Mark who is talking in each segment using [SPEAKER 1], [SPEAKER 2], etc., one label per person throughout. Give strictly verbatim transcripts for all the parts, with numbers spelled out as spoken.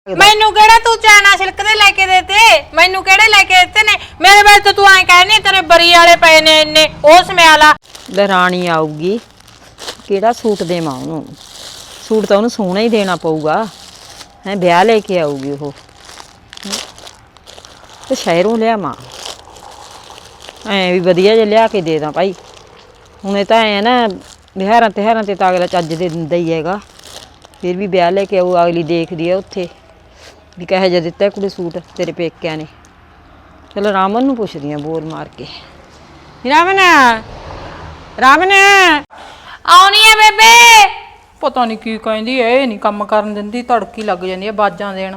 [SPEAKER 1] मैनू केड़ा तू चाइना सिल्क दे लेके देते मैनू केड़े लेके देते ने मेरे बारे तो तू ऐ कहनी तेरे बरी वाले पए ने इन्ने ओ समयाला
[SPEAKER 2] दरानी आऊगी केड़ा सूट देवां ओनू सूट तो ओनू सोहना ही देना पऊगा है ब्याह लेके आऊगी वो ते शहरों लियावां ऐ भी वधिया जिहा लिया के दे दा भाई हुणे तां ऐ ना बिहारां तिहारां ते तां अगला चज्ज दे दिंदा ही हैगा फिर भी ब्याह लेके आऊ अगली देखदी है उत्थे भी कहे जा दिता कुड़ी सूट तेरे पेकिया ने चलो रामन नूं पुछदी आ बोल मार के रामन रामन
[SPEAKER 1] आउणी है बेबे
[SPEAKER 3] पता नहीं की कहंदी है नहीं काम करन दिंदी तड़की लग जांदी है बाजां देण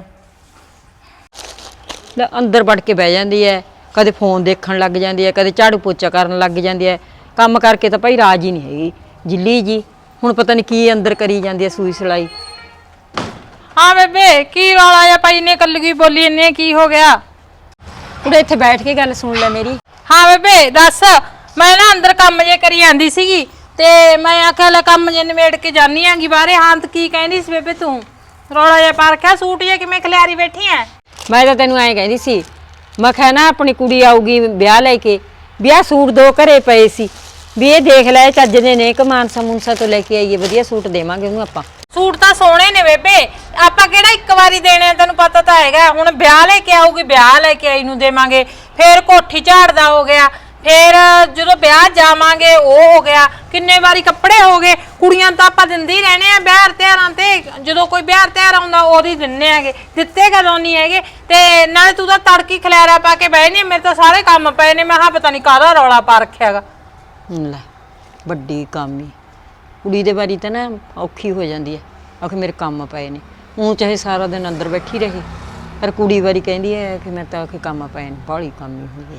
[SPEAKER 2] ले अंदर वड़ के बह जांदी है कदे फोन देखण लग जांदी है कदे झाड़ू पोचा करन लग जांदी है काम करके तो भाई राज ही नहीं हैगी जिली जी हुण पता नहीं की अंदर करी जांदी है सूई सिलाई
[SPEAKER 3] हाँ बेबे की वाला या पाई ने कल्लगी बोली ने की हो गया
[SPEAKER 2] उड़े इत्थे बैठ के गल सुन ले मेरी
[SPEAKER 3] हाँ बेबे दस मैं ना अंदर काम जे करी आंदी सीगी ते मैं आख्या ले काम जे निमेड़ के जानी आंगी बाहरे हाँ तो की कहंदी सी बेबे तू रौला जे पा रखिया सूट जे किवें खलियारी बैठी है
[SPEAKER 2] मैं तो तेनू ऐ कहंदी सी मैं कहा ना अपनी कुड़ी आऊगी ब्याह लेके ब्याह सूट दो घरे पए सी भी ये देख लै चज दे ने कि मानसा मुनसा तो लेके आईए वधिया सूट देवांगे ओनू आपां
[SPEAKER 1] सूट तां सोहणे ने बेबे आपां किहड़ा एक वारी देने तैनू पता तां हैगा हुण ब्याह लेके आऊगी ब्याह लेके आई नूं देवांगे फिर कोठी झाड़दा हो गया फिर जदों ब्याह जावांगे ओ हो गया किन्ने वारी कपड़े हो गए कुड़ियां तां आपां दिंदे ही रहने आ ब्याह त्योहारां ते जदों कोई ब्याह त्योहार आउंदा ओदी दिन्ने हैगे दित्ते कदों नहीं हैगे ते नाले तू तां तड़की खलैरा पा के बਹਿ नी मेरे तां सारे काम पए ने मैं हां पता नहीं काहदा रौला पा रखिया हैगा
[SPEAKER 2] ਲੈ ਵੱਡੀ ਕਾਮੀ ਕੁੜੀ ਦੇ ਬਾਰੀ ਤਾਂ ਨਾ ਔਖੀ ਹੋ ਜਾਂਦੀ ਹੈ ਆਖੇ ਮੇਰੇ ਕੰਮ ਪਏ ਨੇ ਉਹ ਚਾਹੇ ਸਾਰਾ ਦਿਨ ਅੰਦਰ ਬੈਠੀ ਰਹੇ ਪਰ ਕੁੜੀ ਵਾਰੀ ਕਹਿੰਦੀ ਹੈ ਕਿ ਮੈਂ ਤਾਂ ਆਖੇ ਕੰਮ ਪਏ ਨੇ ਬਾਹਲੀ ਕਾਮੀ ਹੁੰਦੀ